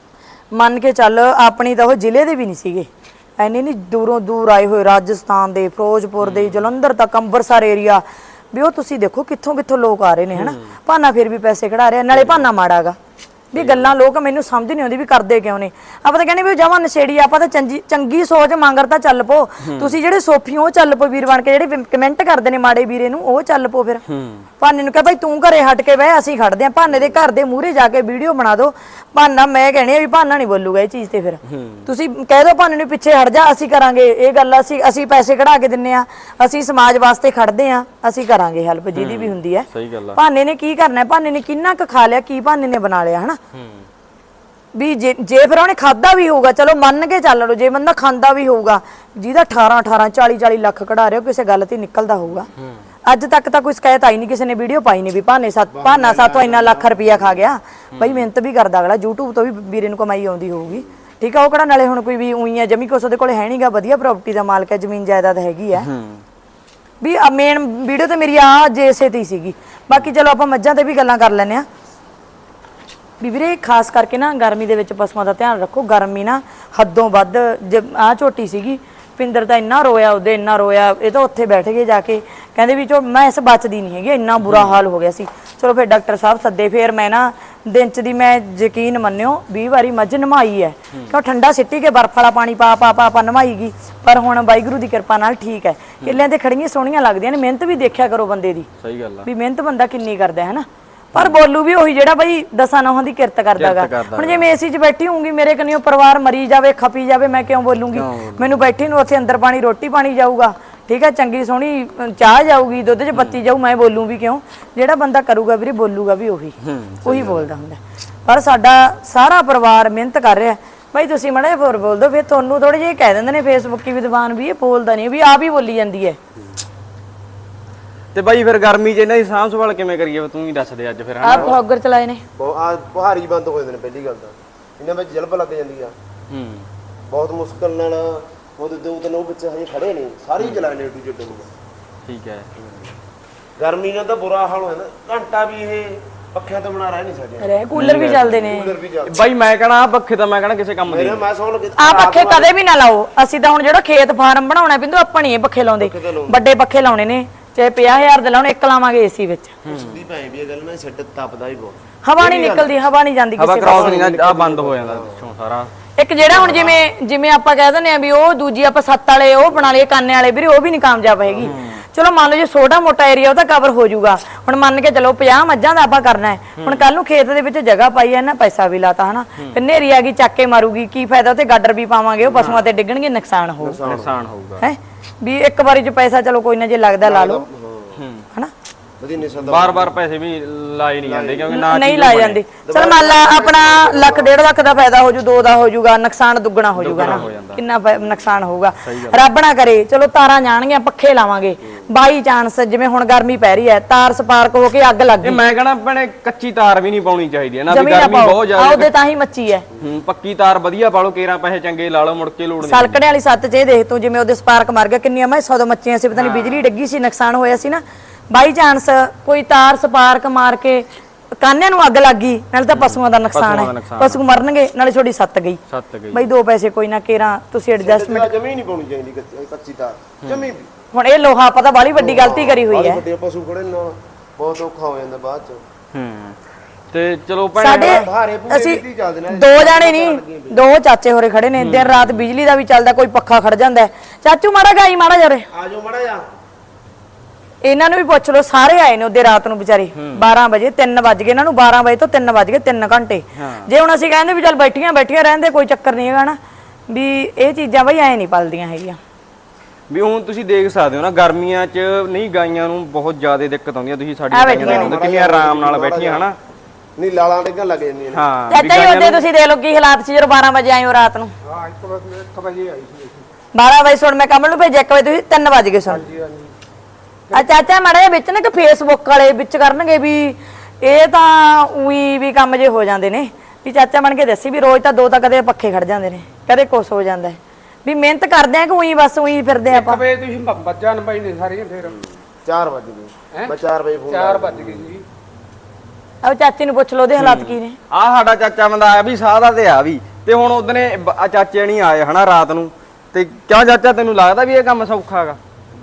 S2: ਮੰਨ ਕੇ ਚੱਲ ਆਪਣੀ ਤਾਂ ਉਹ ਜ਼ਿਲ੍ਹੇ ਦੇ ਵੀ ਨਹੀਂ ਸੀਗੇ, ਐਨੇ ਨਹੀਂ ਦੂਰੋਂ ਦੂਰ ਆਏ ਹੋਏ, ਰਾਜਸਥਾਨ ਦੇ, ਫਿਰੋਜ਼ਪੁਰ ਦੇ, ਜਲੰਧਰ ਤੱਕ, ਅੰਮ੍ਰਿਤਸਰ ਏਰੀਆ ਵੀ ਉਹ ਤੁਸੀਂ ਦੇਖੋ ਕਿੱਥੋਂ ਕਿੱਥੋਂ ਲੋਕ ਆ ਰਹੇ ਨੇ ਹਨਾ। ਭਾਨਾ ਫਿਰ ਵੀ ਪੈਸੇ ਕਢਾ ਰਿਹਾ, ਨਾਲੇ ਭਾਨਾ ਮਾੜਾਗਾ ਵੀ ਗੱਲਾਂ ਲੋਕ ਮੈਨੂੰ ਸਮਝ ਨਹੀਂ ਆਉਂਦੀ ਵੀ ਕਰਦੇ ਕਿਉਂ ਨੇ। ਆਪਾਂ ਤਾਂ ਕਹਿੰਦੇ ਵੀ ਜਮਾਂ ਨਸ਼ੇੜੀ, ਆਪਾਂ ਤਾਂ ਚੰਗੀ ਚੰਗੀ ਸੋਚ ਮੰਗਰ ਤਾਂ ਚੱਲ ਪੋ। ਤੁਸੀਂ ਜਿਹੜੇ ਸੋਫੀ ਉਹ ਚੱਲ ਪੋ ਵੀਰ ਬਣ ਕੇ, ਜਿਹੜੇ ਕਮੈਂਟ ਕਰਦੇ ਨੇ ਮਾੜੇ ਵੀਰੇ ਨੂੰ ਉਹ ਚੱਲ ਪੋ। ਫਿਰ ਭਾਨੇ ਨੂੰ ਕਹ ਭਾਈ ਤੂੰ ਘਰੇ ਹਟ ਕੇ ਬਹਿ, ਅਸੀਂ ਖੜਦੇ ਆਂ। ਭਾਨੇ ਦੇ ਘਰ ਦੇ ਮੂਹਰੇ ਜਾ ਕੇ ਵੀਡੀਓ ਬਣਾ ਦਿਓ। ਭਾਨਾ ਮੈਂ ਕਹਿਣੀ ਆ ਵੀ ਭਾਨਾ ਨਹੀਂ ਬੋਲੂਗਾ ਇਹ ਚੀਜ਼ ਤੇ। ਫਿਰ ਤੁਸੀਂ ਕਹਿ ਦਿਓ ਭਾਨੇ ਨੂੰ ਪਿੱਛੇ ਹਟ ਜਾ, ਅਸੀਂ ਕਰਾਂਗੇ ਇਹ ਗੱਲ, ਅਸੀਂ ਅਸੀਂ ਪੈਸੇ ਕਢਾ ਕੇ ਦਿੰਨੇ ਆ, ਅਸੀਂ ਸਮਾਜ ਵਾਸਤੇ ਖੜਦੇ ਆ, ਅਸੀਂ ਕਰਾਂਗੇ ਹੈਲਪ ਜਿਹਦੀ ਵੀ ਹੁੰਦੀ ਹੈ।
S1: ਸਹੀ ਗੱਲ ਆ।
S2: ਭਾਨੇ ਨੇ ਕੀ ਕਰਨਾ, ਭਾਨੇ ਨੇ ਕਿੰਨਾ ਕੁ ਖਾ ਲਿਆ, ਕੀ ਭਾਨੇ ਨੇ ਬਣਾ ਲਿਆ ਹਨਾ। ਵੀ ਜੇ ਜੇ ਫਿਰ ਉਹਨੇ ਖਾਦਾ ਵੀ ਹੋਊਗਾ, ਚਲੋ ਮੰਨ ਕੇ ਚੱਲ ਲਓ, ਜੇ ਬੰਦਾ ਖਾਂਦਾ ਵੀ ਹੋਊਗਾ, ਜਿਹਦਾ ਅਠਾਰਾਂ ਅਠਾਰਾਂ ਚਾਲੀ ਚਾਲੀ ਲੱਖ ਕਢਾ ਰਿਹਾ, ਕਿਸੇ ਗੱਲ ਤੇ ਨਿਕਲਦਾ ਹੋਊਗਾ। ਅੱਜ ਤੱਕ ਤਾਂ ਕੋਈ ਸ਼ਿਕਾਇਤ ਆਈ ਨਹੀਂ, ਕਿਸੇ ਨੇ ਵੀਡੀਓ ਪਾਈ ਨਹੀਂ ਵੀ ਭਾਨੇ ਸੱਤ ਭਾਨਾ ਸਾਤੋਂ ਇੰਨਾ ਲੱਖ ਰੁਪਇਆ ਖਾ ਗਿਆ। ਬਈ ਮਿਹਨਤ ਵੀ ਕਰਦਾ ਅਗਲਾ, YouTube ਤੋਂ ਵੀ ਵੀਰੇ ਨੂੰ ਕਮਾਈ ਆਉਂਦੀ ਹੋਊਗੀ, ਠੀਕ ਆ। ਉਹ ਕਿਹੜਾ ਨਾਲੇ ਹੁਣ ਕੋਈ ਵੀ ਉਹੀ ਆ ਜਮੀ ਕੁਛ ਉਹਦੇ ਕੋਲੇ ਹੈ ਨਹੀਂਗਾ, ਵਧੀਆ ਪ੍ਰਾਪਰਟੀ ਦਾ ਮਾਲਕ ਹੈ, ਜ਼ਮੀਨ ਜਾਇਦਾਦ ਹੈਗੀ ਆ। ਵੀ ਮੇਨ ਵੀਡੀਓ ਤੇ ਮੇਰੀ ਆ ਜੇਸੇ ਤੇ ਹੀ ਸੀਗੀ। ਬਾਕੀ ਚਲੋ ਆਪਾਂ ਮੱਝਾਂ ਤੇ ਵੀ ਗੱਲਾਂ ਕਰ ਲੈਂਦੇ ਆ ਵੀ ਵੀਰੇ, ਖਾਸ ਕਰਕੇ ਨਾ ਗਰਮੀ ਦੇ ਵਿੱਚ ਪਸ਼ੂਆਂ ਦਾ ਧਿਆਨ ਰੱਖੋ। ਗਰਮੀ ਨਾ ਹੱਦੋਂ ਵੱਧ, ਜੇ ਆ ਝੋਟੀ ਸੀਗੀ ਪਿੰਦਰ ਤਾਂ ਇੰਨਾ ਰੋਇਆ, ਉਹਦੇ ਇੰਨਾ ਰੋਇਆ, ਇਹ ਤਾਂ ਉੱਥੇ ਬੈਠ ਗਏ ਜਾ ਕੇ, ਕਹਿੰਦੇ ਵੀ ਚੋ ਮੈਂ ਇਸ ਬਚਦੀ ਨਹੀਂ ਹੈਗੀ, ਇੰਨਾ ਬੁਰਾ ਹਾਲ ਹੋ ਗਿਆ ਸੀ। ਚਲੋ ਫਿਰ ਡਾਕਟਰ ਸਾਹਿਬ ਸੱਦੇ, ਫਿਰ ਮੈਂ ਨਾ ਦਿਨ ਚ ਦੀ ਮੈਂ ਯਕੀਨ ਮੰਨਿਓ ਵੀਹ ਵਾਰੀ ਮੱਝ ਨਮਾਈ ਹੈ, ਕਿਉਂ ਠੰਡਾ ਸਿੱਟੀ ਕੇ ਬਰਫ ਵਾਲਾ ਪਾਣੀ ਪਾ ਪਾ ਪਾ ਪਾ ਨਮਾਈ ਗਈ। ਪਰ ਹੁਣ ਵਾਹਿਗੁਰੂ ਦੀ ਕਿਰਪਾ ਨਾਲ ਠੀਕ ਹੈ। ਕਿੱਲਿਆਂ ਤੇ ਖੜੀਆਂ ਸੋਹਣੀਆਂ ਲੱਗਦੀਆਂ ਨੇ। ਮਿਹਨਤ ਵੀ ਦੇਖਿਆ ਕਰੋ ਬੰਦੇ ਦੀ,
S1: ਸਹੀ ਗੱਲ ਆ
S2: ਵੀ ਮਿਹਨਤ ਬੰਦਾ ਕਿੰਨੀ ਕਰਦਾ ਹੈ ਨਾ। ਪਰ ਬੋਲੂ ਵੀ ਉਹੀ ਜਿਹੜਾ ਬਈ ਦਸਾਂ ਨੌਹਾਂ ਦੀ ਕਿਰਤ ਕਰਦਾਗਾ। ਹੁਣ ਜੇ ਮੈਂ ਏਸੀ 'ਚ ਬੈਠੀ ਹੋਊਂਗੀ, ਮੇਰੇ ਕਨੀਓ ਪਰਿਵਾਰ ਮਰੀ ਜਾਵੇ, ਖਪੀ ਜਾਵੇ, ਮੈਂ ਕਿਉਂ ਬੋਲੂੰਗੀ? ਮੈਨੂੰ ਬੈਠੀ ਨੂੰ ਉੱਥੇ ਅੰਦਰ ਪਾਣੀ ਰੋਟੀ ਪਾਣੀ ਜਾਊਗਾ, ਠੀਕ ਹੈ, ਚੰਗੀ ਸੋਹਣੀ ਚਾਹ ਜਾਊਗੀ, ਦੁੱਧ 'ਚ ਬੱਤੀ ਜਾਊ, ਮੈਂ ਬੋਲੂੰ ਵੀ ਕਿਉਂ? ਜਿਹੜਾ ਬੰਦਾ ਕਰੂਗਾ ਵੀਰੇ, ਬੋਲੂਗਾ ਵੀ ਉਹੀ ਉਹੀ ਬੋਲਦਾ ਹੁੰਦਾ। ਪਰ ਸਾਡਾ ਸਾਰਾ ਪਰਿਵਾਰ ਮਿਹਨਤ ਕਰ ਰਿਹਾ। ਭਾਈ ਤੁਸੀਂ ਮਾੜਾ ਜਿਹਾ ਹੋਰ ਬੋਲ ਦਿਓ, ਫਿਰ ਤੁਹਾਨੂੰ ਥੋੜੇ ਜਿਹੇ ਕਹਿ ਦਿੰਦੇ ਨੇ ਫੇਸਬੁੱਕੀ ਵਿਦਵਾਨ ਵੀ ਇਹ ਬੋਲਦਾ ਨਹੀਂ, ਵੀ ਆਪ ਹੀ ਬੋਲੀ ਜਾਂਦੀ ਹੈ।
S1: ਤੇ ਬਾਈ ਫਿਰ ਗਰਮੀ 'ਚ ਇਹਨਾਂ ਦੀ ਸਾਂਭ ਸੰਭਾਲ ਕਿਵੇਂ ਕਰੀਏ, ਤੂੰ ਹੀ ਦੱਸ ਦੇ ਅੱਜ ਫਿਰ।
S2: ਆਪ ਫੌਗਰ ਚਲਾਏ ਨੇ,
S3: ਆ ਬੁਹਾਰੀ ਬੰਦ ਹੋ ਜਾਂਦੇ ਨੇ। ਪਹਿਲੀ ਗੱਲ ਤਾਂ ਇਹਨਾਂ ਵਿੱਚ ਜਲਬ ਲੱਗ ਜਾਂਦੀ ਆ,
S1: ਹੂੰ
S3: ਬਹੁਤ ਮੁਸ਼ਕਲ ਨਾਲ। ਉਹਦੇ ਦੋ ਤਿੰਨ ਉਹ ਬੱਚੇ ਹਜੇ ਖੜੇ ਨੇ, ਸਾਰੇ ਹੀ ਚਲਾਏ ਨੇ ਟੂ ਜੱਟ ਨੂੰ।
S1: ਠੀਕ ਹੈ।
S3: ਗਰਮੀ ਨਾਲ ਤਾਂ ਬੁਰਾ ਹਾਲ ਹੋ ਜਾਂਦਾ। ਘੰਟਾ ਵੀ ਇਹ ਪੱਖਿਆਂ ਤੋਂ ਬਣਾ ਰਹਿ ਨਹੀਂ ਸਕਦੇ।
S2: ਰੇ ਕੂਲਰ ਵੀ ਚੱਲਦੇ ਨੇ।
S3: ਕੂਲਰ ਵੀ ਚੱਲਦੇ
S1: ਬਾਈ ਮੈਂ ਕਹਣਾ ਆ ਪੱਖੇ ਤਾਂ ਮੈਂ ਕਹਣਾ ਕਿਸੇ ਕੰਮ ਦੇ
S3: ਮੇਰੇ ਮੈਂ ਸੌਣ ਲੱਗੇ
S2: ਆ ਪੱਖੇ ਕਦੇ ਵੀ ਨਾ ਲਾਓ। ਅਸੀਂ ਤਾਂ ਹੁਣ ਜਿਹੜਾ ਖੇਤ ਫਾਰਮ ਬਣਾਉਣਾ ਪਿੰਦੂ ਆਪਾਂ ਨਹੀਂ ਇਹ ਪੱਖੇ ਲਾਉਂਦੇ, ਵੱਡੇ ਪੱਖੇ ਲਾਉਣੇ ਨੇ, ਚਾਹੇ ਪੰਜਾਹ ਹਜ਼ਾਰ ਦੇ ਲਾਉਣ, ਇੱਕ ਲਾਵਾਂਗੇ ਏਸੀ ਵਿੱਚ।
S3: ਸਿੱਧੀ ਭਾਈ ਵੀ ਇਹ ਗੱਲ ਨਾ ਸਿੱਟ ਤਪਦਾ ਹੀ ਬਹੁਤ,
S2: ਹਵਾ ਨਹੀਂ ਨਿਕਲਦੀ, ਹਵਾ ਨਹੀਂ ਜਾਂਦੀ
S1: ਹਵਾ
S2: ਕਿਸੇ
S1: ਕਰਾਉਸ ਨਹੀਂ ਆ, ਬੰਦ ਹੋ ਜਾਂਦਾ ਪਿੱਛੋਂ ਸਾਰਾ।
S2: ਇੱਕ ਜਿਹੜਾ ਹੁਣ ਜਿਵੇਂ ਜਿਵੇਂ ਆਪਾਂ ਕਹਿ ਦਿੰਦੇ ਆ ਵੀ ਉਹ ਦੂਜੀ ਆਪਾਂ ਸੱਤ ਵਾਲੇ ਉਹ ਬਣਾ ਲਏ ਕਾਨੇ ਵਾਲੇ, ਵੀਰੇ ਉਹ ਵੀ ਨਹੀਂ ਕਾਮਯਾਬ ਹੈਗੀ। ਚਲੋ ਮੰਨ ਲਓ ਜੇ ਛੋਟਾ ਮੋਟਾ ਏਰੀਆ ਉਹ ਤਾਂ ਕਵਰ ਹੋ ਜਾਊਗਾ। ਹੁਣ ਮੰਨ ਕੇ ਚਲੋ ਪੰਜਾਹ ਮੱਝਾਂ ਦਾ ਆਪਾਂ ਕਰਨਾ ਹੈ, ਹੁਣ ਕੱਲ ਨੂੰ ਖੇਤ ਦੇ ਵਿੱਚ ਜਗ੍ਹਾ ਪਾਈ ਹੈ ਨਾ, ਪੈਸਾ ਵੀ ਲਾਤਾ ਹਨਾ, ਫਿਰ ਨੇਰੀ ਆ ਗਈ ਚੱਕ ਕੇ ਮਾਰੂਗੀ, ਕੀ ਫਾਇਦਾ? ਉੱਥੇ ਗਾਡਰ ਵੀ ਪਾਵਾਂਗੇ, ਉਹ ਪਸ਼ੂਆਂ ਤੇ ਡਿੱਗਣਗੇ, ਨੁਕਸਾਨ ਹੋਊਗਾ।
S1: ਨੁਕਸਾਨ ਹੋਊਗਾ
S2: ਹੈ ਵੀ ਇੱਕ ਵਾਰੀ ਚ ਪੈਸਾ ਚਲੋ ਕੋਈ ਨਾ ਜੇ ਲੱਗਦਾ ਲਾ ਲਓ ਹਨਾ।
S3: ਵਧੀਆ ਨਿਸਲ ਦਾ
S1: ਬਾਰ-ਬਾਰ ਪੈਸੇ ਵੀ ਲਾਏ ਨਹੀਂ ਜਾਂਦੇ, ਕਿਉਂਕਿ ਨਾ
S2: ਨਹੀਂ ਲਾਏ ਜਾਂਦੇ। ਚਲ ਮੰਨ ਲਾ ਆਪਣਾ ਲੱਖ ਡੇਢ ਲੱਖ ਦਾ ਫਾਇਦਾ ਹੋ ਜੂ, ਦੋ ਦਾ ਹੋ ਜੂਗਾ, ਨੁਕਸਾਨ ਦੁੱਗਣਾ ਹੋ ਜੂਗਾ ਨਾ, ਕਿੰਨਾ ਨੁਕਸਾਨ ਹੋਊਗਾ। ਰੱਬ ਨਾ ਕਰੇ ਚਲੋ ਤਾਰਾਂ ਜਾਣਗੀਆਂ, ਪੱਖੇ ਲਾਵਾਂਗੇ, ਬਾਈ ਚਾਂਸ ਜਿਵੇਂ ਹੁਣ ਗਰਮੀ ਪੈ ਰਹੀ ਹੈ, ਤਾਰ ਸਪਾਰਕ ਹੋ ਕੇ ਅੱਗ ਲੱਗ ਗਈ,
S1: ਮੈਂ ਕਹਣਾ ਭੈਣੇ ਕੱਚੀ ਤਾਰ ਵੀ ਨਹੀਂ ਪਾਉਣੀ ਚਾਹੀਦੀ ਹੈ ਨਾ, ਵੀ
S2: ਜਮੀਨ
S1: ਗਰਮੀ ਬਹੁਤ ਜ਼ਿਆਦਾ
S2: ਉਹਦੇ ਤਾਂ ਹੀ ਮੱਚੀ ਹੈ।
S1: ਹੂੰ ਪੱਕੀ ਤਾਰ ਵਧੀਆ ਪਾ ਲਓ, ਕੇਰਾਂ ਪੈਸੇ ਚੰਗੇ ਲਾ ਲਓ, ਮੁੜ ਕੇ ਲੋੜ ਨਹੀਂ।
S2: ਸਲਕੜੇ ਵਾਲੀ ਸੱਤ 'ਚ ਇਹ ਦੇਖ ਤੂੰ, ਜਿਵੇਂ ਉਹਦੇ ਸਪਾਰਕ ਮਰ ਗਿਆ, ਕਿੰਨੀਆਂ ਮੈਂ ਸੌ ਮੱਚੀਆਂ ਸੀ, ਪਤਾ ਨਹੀਂ ਬਿਜਲੀ ਡਿੱਗੀ ਸੀ, ਨੁਕਸਾਨ ਹੋਇਆ ਸੀ ਨਾ। ਬਾਈ ਚਾਂਸ ਕੋਈ ਤਾਰ ਸਪਾਰਕ ਮਾਰ ਕੇ ਕਾਨਿਆਂ ਨੂੰ ਅੱਗ ਲੱਗ ਗਈ, ਨਾਲੇ ਤਾਂ ਪਸ਼ੂਆਂ ਦਾ ਨੁਕਸਾਨ ਹੈ, ਪਸ਼ੂ ਮਰਨਗੇ, ਨਾਲੇ ਛੋਟੀ ਸੱਤ ਗਈ।
S1: ਸੱਤ ਗਈ
S2: ਬਈ ਦੋ ਪੈਸੇ ਕੋਈ ਨਾ ਕੇਰਾਂ ਤੁਸੀਂ ਐਡਜਸਟਮੈਂਟ।
S3: ਜਮੀ ਨਹੀਂ ਪਾਉਣੀ ਚਾਹੀਦੀ ਕੱਚੀ- ਕੱਚੀ ਤਾਰ, ਜਮੀ ਵੀ।
S2: ਹੁਣ ਇਹ ਲੋਹਾ ਪਤਾ ਬਾਲੀ ਵੱਡੀ ਗਲਤੀ ਕਰੀ ਹੋਈ ਹੈ।
S3: ਵੱਡੇ ਪਸ਼ੂ ਖੜੇ ਨਾਲ ਬਹੁਤ ਔਖਾ ਹੋ ਜਾਂਦਾ ਬਾਅਦ ਚ।
S1: ਹੂੰ ਤੇ ਚਲੋ ਭੈਣੇ
S2: ਸਾਡੇ ਅਸੀਂ ਦੋ ਜਾਣੇ ਨਹੀਂ, ਦੋ ਚਾਚੇ ਹੋਰੇ ਖੜੇ ਨੇ, ਦਿਨ ਰਾਤ ਬਿਜਲੀ ਦਾ ਵੀ ਚੱਲਦਾ, ਕੋਈ ਪੱਖਾ ਖੜ ਜਾਂਦਾ। ਚਾਚੂ ਮਾੜਾ ਗਾਈ ਮਾੜਾ ਜਰੇ
S3: ਆ ਜਾਓ ਮਾੜਾ ਜਾ।
S2: ਇਹਨਾਂ ਨੂੰ ਵੀ ਪੁੱਛ ਲਓ, ਸਾਰੇ ਆਏ ਨੇ ਉਹਦੇ ਰਾਤ ਨੂੰ ਵਿਚਾਰੇ ਬਾਰਾਂ ਵਜੇ, ਤਿੰਨ ਵੱਜ ਗਏ ਇਹਨਾਂ ਨੂੰ, ਬਾਰਾਂ ਵਜੇ ਤੋਂ ਤਿੰਨ ਵੱਜ ਗਏ, ਤਿੰਨ ਘੰਟੇ। ਜੇ ਹੁਣ ਅਸੀਂ ਕਹਿੰਦੇ ਵੀ ਚੱਲ ਬੈਠੀਆਂ ਬੈਠੀਆਂ ਰਹਿੰਦੇ, ਕੋਈ ਚੱਕਰ ਨਹੀਂ ਹੈਗਾ ਨਾ, ਵੀ ਇਹ ਚੀਜ਼ਾਂ ਬਈ ਐ ਨਹੀਂ ਪਲਦੀਆਂ ਹੈਗੀਆਂ।
S1: ਵੀ ਹੁਣ ਤੁਸੀਂ ਦੇਖ ਸਕਦੇ ਹੋ ਨਾ, ਗਰਮੀਆਂ 'ਚ ਨਹੀਂ ਗਾਈਆਂ ਨੂੰ ਬਹੁਤ ਜ਼ਿਆਦਾ ਦਿੱਕਤ ਆਉਂਦੀ ਹੈ। ਤੁਸੀਂ ਸਾਡੀਆਂ ਗਾਈਆਂ ਨੂੰ ਕਿੰਨੀਆਂ ਆਰਾਮ ਨਾਲ ਬੈਠੀਆਂ ਹਨਾ,
S3: ਨਹੀਂ ਲਾਲਾਂ ਡਿੱਗਣ ਲੱਗ ਜਾਂਦੀਆਂ ਨੇ।
S1: ਹਾਂ
S2: ਚਾਚਾ ਜੀ ਉਹਦੇ ਤੁਸੀਂ ਦੇਖ ਲਓ ਕੀ ਹਾਲਾਤ ਸੀ ਜਦੋਂ ਬਾਰਾਂ ਵਜੇ ਆਏ ਹੋ ਰਾਤ ਨੂੰ।
S4: ਹਾਂ ਇੱਕ ਵਜੇ ਆਈ ਸੀ।
S2: ਬਾਰਾਂ ਵਜੇ ਸੁਣ ਮੈਂ ਕਮਲ ਨੂੰ ਭੇਜਿਆ, ਇੱਕ ਵਜੇ ਤੁਸੀਂ ਤਿੰਨ ਵੱਜ ਗਏ ਸੁਣ। ਆ ਚਾਚਾ ਮਾੜਾ ਜਿਹਾ ਵਿੱਚ ਨਾ ਕਿ ਫੇਸਬੁੱਕ ਵਾਲੇ ਵਿੱਚ ਕਰਨਗੇ ਵੀ ਇਹ ਤਾਂ ਉਹੀ ਵੀ ਕੰਮ ਜੇ ਹੋ ਜਾਂਦੇ ਨੇ, ਵੀ ਚਾਚਾ ਬਣ ਕੇ ਦੱਸੀ ਵੀ ਰੋਜ਼ ਤਾਂ ਦੋ ਤਾਂ ਕਦੇ ਪੱਖੇ ਖੜ ਜਾਂਦੇ ਨੇ, ਕਦੇ ਕੁਛ ਹੋ ਜਾਂਦਾ ਹੈ, ਵੀ ਮਿਹਨਤ ਕਰਦੇ ਆ ਕਿ ਉਹੀ ਬਸ ਉਹੀ ਫਿਰਦੇ ਆਪਾਂ।
S4: ਇੱਕ ਵਜੇ ਤੁਸੀਂ ਬੱਜਾਂ ਨਪਾਈ ਨੇ ਸਾਰੀਆਂ, ਫਿਰ
S3: ਚਾਰ ਵੱਜ ਗਏ, ਮੈਂ ਚਾਰ ਵਜੇ ਫੋਨ
S4: ਚਾਰ ਵੱਜ ਗਏ ਜੀ।
S2: ਆ ਚਾਚੇ ਨੂੰ ਪੁੱਛ ਲਓ ਉਹਦੇ ਹਾਲਾਤ ਕੀ ਨੇ।
S1: ਆ ਸਾਡਾ ਚਾਚਾ ਬੰਦਾ ਆਇਆ ਵੀ ਸਾਹ ਦਾ ਤੇ ਆ ਵੀ ਤੇ ਹੁਣ ਉਹਦਨੇ ਬ- ਚਾਚੇ ਨਹੀਂ ਆਏ ਹਨਾ ਰਾਤ ਨੂੰ, ਤੇ ਕਿਉਂ ਚਾਚਾ ਤੈਨੂੰ ਲੱਗਦਾ ਵੀ ਇਹ ਕੰਮ ਸੌਖਾ ਹੈਗਾ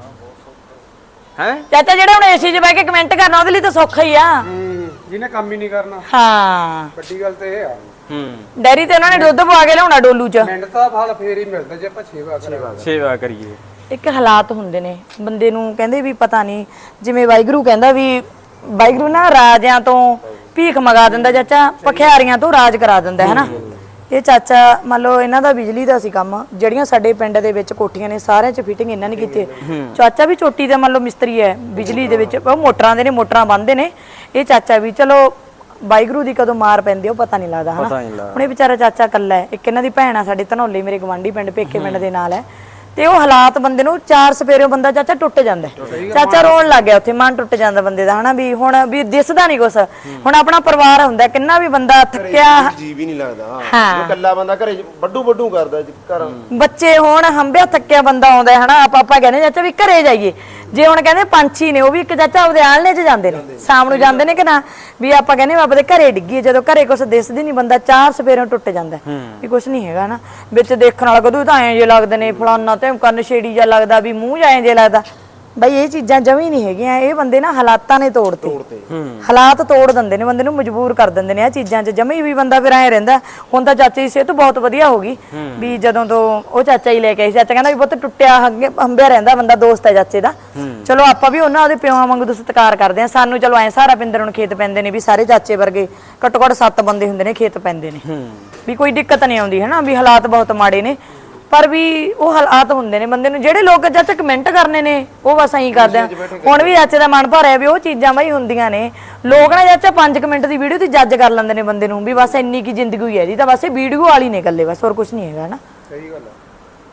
S1: ਹੈ?
S2: ਚਾਚਾ ਜਿਹੜਾ ਹੁਣ ਏਸੀ 'ਚ ਬਹਿ ਕੇ ਕਮੈਂਟ ਕਰਨਾ ਉਹਦੇ ਲਈ ਤਾਂ ਸੌਖਾ ਹੀ ਆ।
S4: ਹੂੰ ਜਿਹਨੇ ਕੰਮ ਹੀ ਨਹੀਂ ਕਰਨਾ,
S2: ਹਾਂ
S4: ਵੱਡੀ ਗੱਲ ਤੇ ਇਹ ਆ।
S1: ਹੂੰ
S2: ਡੈਰੀ ਤੇ ਉਹਨਾਂ ਨੇ ਦੁੱਧ ਪਵਾ ਕੇ ਲਿਆਉਣਾ ਡੋਲੂ 'ਚ।
S4: ਮਿੰਟ ਦਾ ਫਲ ਫੇਰ ਹੀ ਮਿਲਦਾ ਜੇ ਆਪਾਂ ਸੇਵਾ ਕਰਾਂਗੇ।
S1: ਸੇਵਾ ਕਰੀਏ।
S2: ਇੱਕ ਹਾਲਾਤ ਹੁੰਦੇ ਨੇ ਬੰਦੇ ਨੂੰ, ਕਹਿੰਦੇ ਵੀ ਪਤਾ ਨਹੀਂ, ਜਿਵੇਂ ਵਾਹਿਗੁਰੂ ਕਹਿੰਦਾ ਵੀ ਵਾਹਿਗੁਰੂ ਨਾ ਰਾਜਿਆਂ ਤੋਂ ਭੀਖ ਮੰਗਾ ਦਿੰਦਾ ਚਾਚਾ, ਭਖਿਆਰੀਆਂ ਤੋਂ ਰਾਜ ਕਰਾ ਦਿੰਦਾ ਹੈ ਨਾ। ਇਹ ਚਾਚਾ ਮੰਨ ਲਓ ਇਹਨਾਂ ਦਾ ਬਿਜਲੀ ਦਾ ਸੀ ਕੰਮ, ਜਿਹੜੀਆਂ ਸਾਡੇ ਪਿੰਡ ਦੇ ਵਿੱਚ ਕੋਠੀਆਂ ਨੇ ਸਾਰਿਆਂ 'ਚ ਫਿਟਿੰਗ ਇਹਨਾਂ ਨੇ ਕੀਤੀ। ਚਾਚਾ ਵੀ ਚੋਟੀ ਦਾ ਮੰਨ ਲਓ ਮਿਸਤਰੀ ਹੈ ਬਿਜਲੀ ਦੇ ਵਿੱਚ, ਉਹ ਮੋਟਰਾਂ ਦੇ ਨੇ, ਮੋਟਰਾਂ ਬੰਨ੍ਹਦੇ ਨੇ। ਇਹ ਚਾਚਾ ਵੀ ਚਲੋ ਵਾਹਿਗੁਰੂ ਦੀ ਕਦੋਂ ਮਾਰ ਪੈਂਦੀ ਉਹ ਪਤਾ ਨਹੀਂ ਲੱਗਦਾ ਹਨਾ। ਹੁਣ ਇਹ ਵਿਚਾਰਾ ਚਾਚਾ ਇਕੱਲਾ ਹੈ, ਇੱਕ ਇਹਨਾਂ ਦੀ ਭੈਣ ਆ ਸਾਡੇ ਧਨੌਲੇ, ਮੇਰੇ ਗਵਾਂਢੀ ਪਿੰਡ ਪੇਕੇ ਪਿੰਡ ਦੇ ਨਾਲ ਹੈ। ਤੇ ਉਹ ਹਾਲਾਤ ਬੰਦੇ ਨੂੰ ਚਾਰ ਸਪੇਰੇ ਬੰਦਾ ਚਾਚਾ ਟੁੱਟ ਜਾਂਦਾ, ਚਾਚਾ ਰੋਣ ਲੱਗ ਗਿਆ ਉੱਥੇ, ਮਨ ਟੁੱਟ ਜਾਂਦਾ ਬੰਦੇ ਦਾ ਹਨਾ। ਵੀ ਹੁਣ ਵੀ ਦਿਸਦਾ ਨਹੀਂ ਕੁਛ, ਹੁਣ ਆਪਣਾ ਪਰਿਵਾਰ ਹੁੰਦਾ, ਕਿੰਨਾ ਵੀ ਬੰਦਾ ਥੱਕਿਆ,
S3: ਜੀ ਵੀ ਨਹੀਂ ਲੱਗਦਾ।
S2: ਹਾਂ
S3: ਉਹ ਇਕੱਲਾ ਬੰਦਾ ਘਰੇ ਵੱਡੂ ਵੱਡੂ ਕਰਦਾ ਘਰ।
S2: ਬੱਚੇ ਹੁਣ ਹੰਬਿਆ ਥੱਕਿਆ ਬੰਦਾ ਆਉਂਦਾ ਹੈ ਹਨਾ। ਆਪਾਂ ਆਪਾਂ ਕਹਿੰਦੇ ਚਾਚਾ ਵੀ ਘਰੇ ਜਾਈਏ, ਜੇ ਹੁਣ ਕਹਿੰਦੇ ਪੰਛੀ ਨੇ ਉਹ ਵੀ ਇੱਕ ਚਾਚਾ ਉਹਦੇ ਆਲਣੇ 'ਚ ਜਾਂਦੇ ਨੇ, ਸ਼ਾਮ ਨੂੰ ਜਾਂਦੇ ਨੇ ਕਿ ਨਾ, ਵੀ ਆਪਾਂ ਕਹਿੰਦੇ ਆਪਾਂ ਦੇ ਘਰੇ ਡਿੱਗੀਏ, ਜਦੋਂ ਘਰੇ ਕੁਛ ਦਿਸਦੀ ਨਹੀਂ ਬੰਦਾ ਚਾਰ ਸਪੇਰੋਂ ਟੁੱਟ ਜਾਂਦਾ ਵੀ ਕੁਛ ਨਹੀਂ ਹੈਗਾ ਨਾ। ਵਿੱਚ ਦੇਖਣ ਵਾਲਾ ਕਦੋਂ ਤਾਂ ਐਂ ਜੇ ਲੱਗਦੇ ਨੇ, ਫਲਾਨਾ ਤੇ ਕੰਨ ਛੇੜੀ ਜਾ ਲੱਗਦਾ, ਵੀ ਮੂੰਹ ਜਾਂ ਐਂ ਜੇ ਲੱਗਦਾ। ਬਈ ਇਹ ਚੀਜ਼ਾਂ ਜਮੀ ਨਹੀਂ ਹੈਗੀਆਂ, ਇਹ ਬੰਦੇ ਨਾ ਹਾਲਾਤਾਂ ਨੇ ਤੋੜਤੇ। ਹਾਲਾਤ ਤੋੜ ਦਿੰਦੇ ਨੇ ਬੰਦੇ ਨੂੰ, ਮਜਬੂਰ ਕਰ ਦਿੰਦੇ ਨੇ ਇਹ ਚੀਜ਼ਾਂ 'ਚ ਜਮੀ। ਵੀ ਬੰਦਾ ਫਿਰ ਐਂ ਰਹਿੰਦਾ। ਹੁਣ ਤਾਂ ਚਾਚੇ ਦੀ ਸਿਹਤ ਬਹੁਤ ਵਧੀਆ ਹੋ ਗਈ, ਵੀ ਜਦੋਂ ਤੋਂ ਉਹ ਚਾਚਾ ਹੀ ਲੈ ਕੇ ਆਈ, ਚਾਚਾ ਕਹਿੰਦਾ ਵੀ ਬਹੁਤ ਟੁੱਟਿਆ ਹੰਬਿਆ ਰਹਿੰਦਾ ਬੰਦਾ, ਦੋਸਤ ਹੈ ਚਾਚੇ ਦਾ। ਚਲੋ ਆਪਾਂ ਵੀ ਉਹਨਾਂ ਉਹਦੇ ਪਿਓਾਂ ਵਾਂਗੂ ਸਤਿਕਾਰ ਕਰਦੇ ਆ। ਸਾਨੂੰ ਚਲੋ ਐ ਸਾਰਾ ਪਿੰਦਰ ਨੂੰ ਖੇਤ ਪੈਂਦੇ ਨੇ, ਵੀ ਸਾਰੇ ਚਾਚੇ ਵਰਗੇ ਘੱਟੋ ਘੱਟ ਸੱਤ ਬੰਦੇ ਹੁੰਦੇ ਨੇ ਖੇਤ ਪੈਂਦੇ ਨੇ, ਵੀ ਕੋਈ ਦਿੱਕਤ ਨਹੀਂ ਆਉਂਦੀ ਹਨਾ। ਵੀ ਹਾਲਾਤ ਬਹੁਤ ਮਾੜੇ ਨੇ, ਪਰ ਵੀ ਉਹ ਹਾਲਾਤ ਹੁੰਦੇ ਨੇ ਬੰਦੇ ਨੂੰ। ਜਿਹੜੇ ਲੋਕ ਚਾਚਾ ਕਮੈਂਟ ਕਰਨੇ ਨੇ ਉਹ ਬਸ ਐਂ ਕਰਦੇ ਆ। ਹੁਣ ਵੀ ਚਾਚੇ ਦਾ ਮਨ ਭਰਿਆ ਵੀ ਉਹ ਚੀਜ਼ਾਂ ਬਈ ਹੁੰਦੀਆਂ ਨੇ। ਲੋਕ ਨਾ ਚਾਚਾ ਪੰਜ ਮਿੰਟ ਦੀ ਵੀਡੀਓ ਤੇ ਜੱਜ ਕਰ ਲੈਂਦੇ ਨੇ ਬੰਦੇ ਨੂੰ, ਵੀ ਬਸ ਇੰਨੀ ਕੀ ਜ਼ਿੰਦਗੀ ਹੋਈ ਹੈ ਜੀ, ਤਾਂ ਬਸ ਇਹ ਵੀਡੀਓ ਵਾਲੀ ਨੇ ਇਕੱਲੇ, ਬਸ ਹੋਰ ਕੁਝ ਨਹੀਂ ਹੈਗਾ ਨਾ।
S4: ਸਹੀ ਗੱਲ ਆ।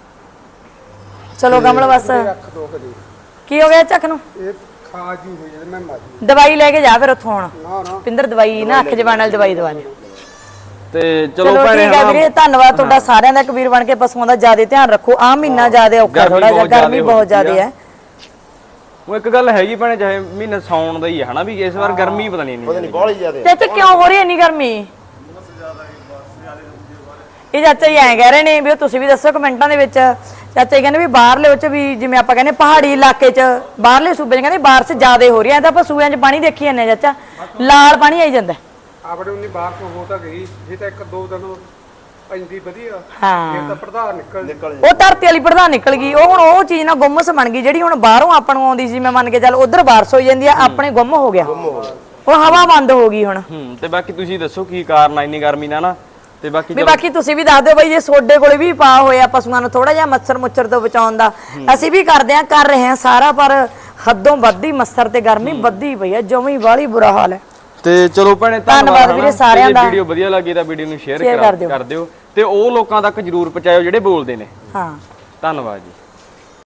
S2: ਚਲੋ ਕਮਲ ਬਸ
S4: ਰੱਖ ਦੋ ਕਦੇ
S2: ਕੀ ਹੋ ਗਿਆ ਚੱਕ ਨੂੰ?
S4: ਇਹ ਖਾ ਜੀ ਹੋਈ ਜਾਂਦੇ, ਮੈਂ ਮਾਜੀ
S2: ਦਵਾਈ ਲੈ ਕੇ ਜਾ ਫਿਰ ਉੱਥੋਂ ਹੁਣ।
S4: ਨਾ ਨਾ
S2: ਪਿੰਦਰ ਦਵਾਈ ਨਾ ਅੱਖ ਜਵਾਨ ਵਾਲੀ ਦਵਾਈ ਦਵਾ ਲਿਓ।
S1: ਤੇ
S2: ਚਲੋ
S1: ਚਲੋ ਭੈਣੇ
S2: ਠੀਕ ਹੈ ਵੀਰੇ, ਧੰਨਵਾਦ ਤੁਹਾਡਾ ਸਾਰਿਆਂ ਦਾ। ਕਬੀਰ ਬਣ ਕੇ ਪਸ਼ੂਆਂ ਦਾ ਜ਼ਿਆਦਾ ਧਿਆਨ ਰੱਖੋ। ਆ ਮਹੀਨਾ ਜ਼ਿਆਦਾ ਔਖਾ, ਥੋੜਾ ਜਿਹਾ ਗਰਮੀ ਬਹੁਤ ਜ਼ਿਆਦਾ ਹੈ।
S1: ਉਹ ਇੱਕ ਗੱਲ ਹੈਗੀ ਭੈਣੇ, ਚਾਹੇ ਮਹੀਨਾ ਸਾਉਣ ਦਾ ਹੀ ਹੈ ਹਨਾ, ਵੀ ਇਸ ਵਾਰ ਗਰਮੀ ਪਤਾ ਨਹੀਂ
S3: ਪਤਾ ਨਹੀਂ ਬਹੁਤ ਜ਼ਿਆਦਾ।
S2: ਚਾਚਾ ਕਿਉਂ ਹੋ ਰਹੀ ਹੈ ਇੰਨੀ ਗਰਮੀ? ਇਹ ਚਾਚਾ ਹੀ ਐਂ ਕਹਿ ਰਹੇ ਨੇ ਵੀ, ਉਹ ਤੁਸੀਂ ਵੀ ਦੱਸੋ ਕਮੈਂਟਾਂ ਦੇ ਵਿੱਚ। ਚਾਚਾ ਜੀ ਕਹਿੰਦੇ ਵੀ ਬਾਹਰਲੇ ਵਿੱਚ ਵੀ, ਜਿਵੇਂ ਆਪਾਂ ਕਹਿੰਦੇ ਪਹਾੜੀ ਇਲਾਕੇ 'ਚ, ਬਾਹਰਲੇ ਸੂਬੇ 'ਚ ਕਹਿੰਦੇ ਬਾਰਿਸ਼ ਜ਼ਿਆਦਾ ਹੋ ਰਹੀ ਹੈ। ਤਾਂ ਆਪਾਂ ਸੂਬਿਆਂ 'ਚ ਪਾਣੀ ਦੇਖੀ ਜਾਂਦੇ ਆ ਚਾਚਾ, ਲਾਲ ਪਾਣੀ ਆਈ ਜਾਂਦਾ।
S4: ਆਪਣੇ ਉਨੀ ਬਾਹਰ ਤੋਂ ਹੋ ਤਾਂ ਗਈ, ਜੇ ਤਾਂ ਇੱਕ ਦੋ ਦਿਨ ਪੈਂਦੀ ਵਧੀਆ,
S2: ਹਾਂ
S4: ਫਿਰ ਤਾਂ ਪ੍ਰਧਾਨ ਨਿਕਲ ਨਿਕਲ
S2: ਉਹ ਧਰਤੀ ਵਾਲੀ ਪ੍ਰਧਾਨ ਨਿਕਲ ਗਈ। ਉਹ ਹੁਣ ਉਹ ਚੀਜ਼ ਨਾ ਗੁੰਮਸ ਬਣ ਗਈ, ਜਿਹੜੀ ਹੁਣ ਬਾਹਰੋਂ ਆਪਾਂ ਨੂੰ ਆਉਂਦੀ ਸੀ। ਮੈਂ ਮੰਨ ਕੇ ਚੱਲ ਉਧਰ ਬਾਰਿਸ਼ ਹੋ ਜਾਂਦੀ ਆ, ਆਪਣੇ ਗੁੰਮ ਹੋ ਗਿਆ, ਉਹ ਹਵਾ ਬੰਦ ਹੋ ਗਈ ਹੁਣ।
S1: ਹੂੰ ਤੇ ਬਾਕੀ ਤੁਸੀਂ ਦੱਸੋ ਕੀ ਕਾਰਨ ਆ ਇੰਨੀ ਗਰਮੀ ਦਾ ਨਾ। ਤੇ ਬਾਕੀ
S2: ਵੀ ਬਾਕੀ ਤੁਸੀਂ ਵੀ ਦੱਸ ਦਿਓ ਬਈ, ਜੇ ਸੋਡੇ ਕੋਲੇ ਵੀ ਪਾ ਹੋਇਆ ਪਸ਼ੂਆਂ ਨੂੰ ਥੋੜਾ ਜਿਹਾ ਮੱਛਰ ਮੁੱਛਰ ਤੋਂ ਬਚਾਉਣ ਦਾ, ਅਸੀਂ ਵੀ ਕਰਦੇ ਆ, ਕਰ ਰਹੇ ਆ ਸਾਰਾ, ਪਰ ਹੱਦੋਂ ਵੱਧੀ ਮੱਛਰ ਤੇ ਗਰਮੀ ਵੱਧੀ ਪਈ ਆ, ਜਮੀ ਵਾਲੀ ਬੁਰਾ ਹਾਲ ਹੈ।
S1: ਤੇ ਚਲੋ ਭੈਣੇ
S2: ਧੰਨਵਾਦ ਵੀਰੇ ਸਾਰਿਆਂ ਦਾ।
S1: ਵੀਡੀਓ ਵਧੀਆ ਲੱਗੀ ਤਾਂ ਵੀਡੀਓ ਨੂੰ ਸ਼ੇਅਰ
S2: ਸ਼ੇਅਰ ਕਰ ਦਿਓ।
S1: ਕਰ ਦਿਓ, ਤੇ ਉਹ ਲੋਕਾਂ ਤੱਕ ਜਰੂਰ ਪਹੁੰਚਾਇਓ ਜਿਹੜੇ ਬੋਲਦੇ ਨੇ।
S2: ਹਾਂ
S1: ਧੰਨਵਾਦ ਜੀ।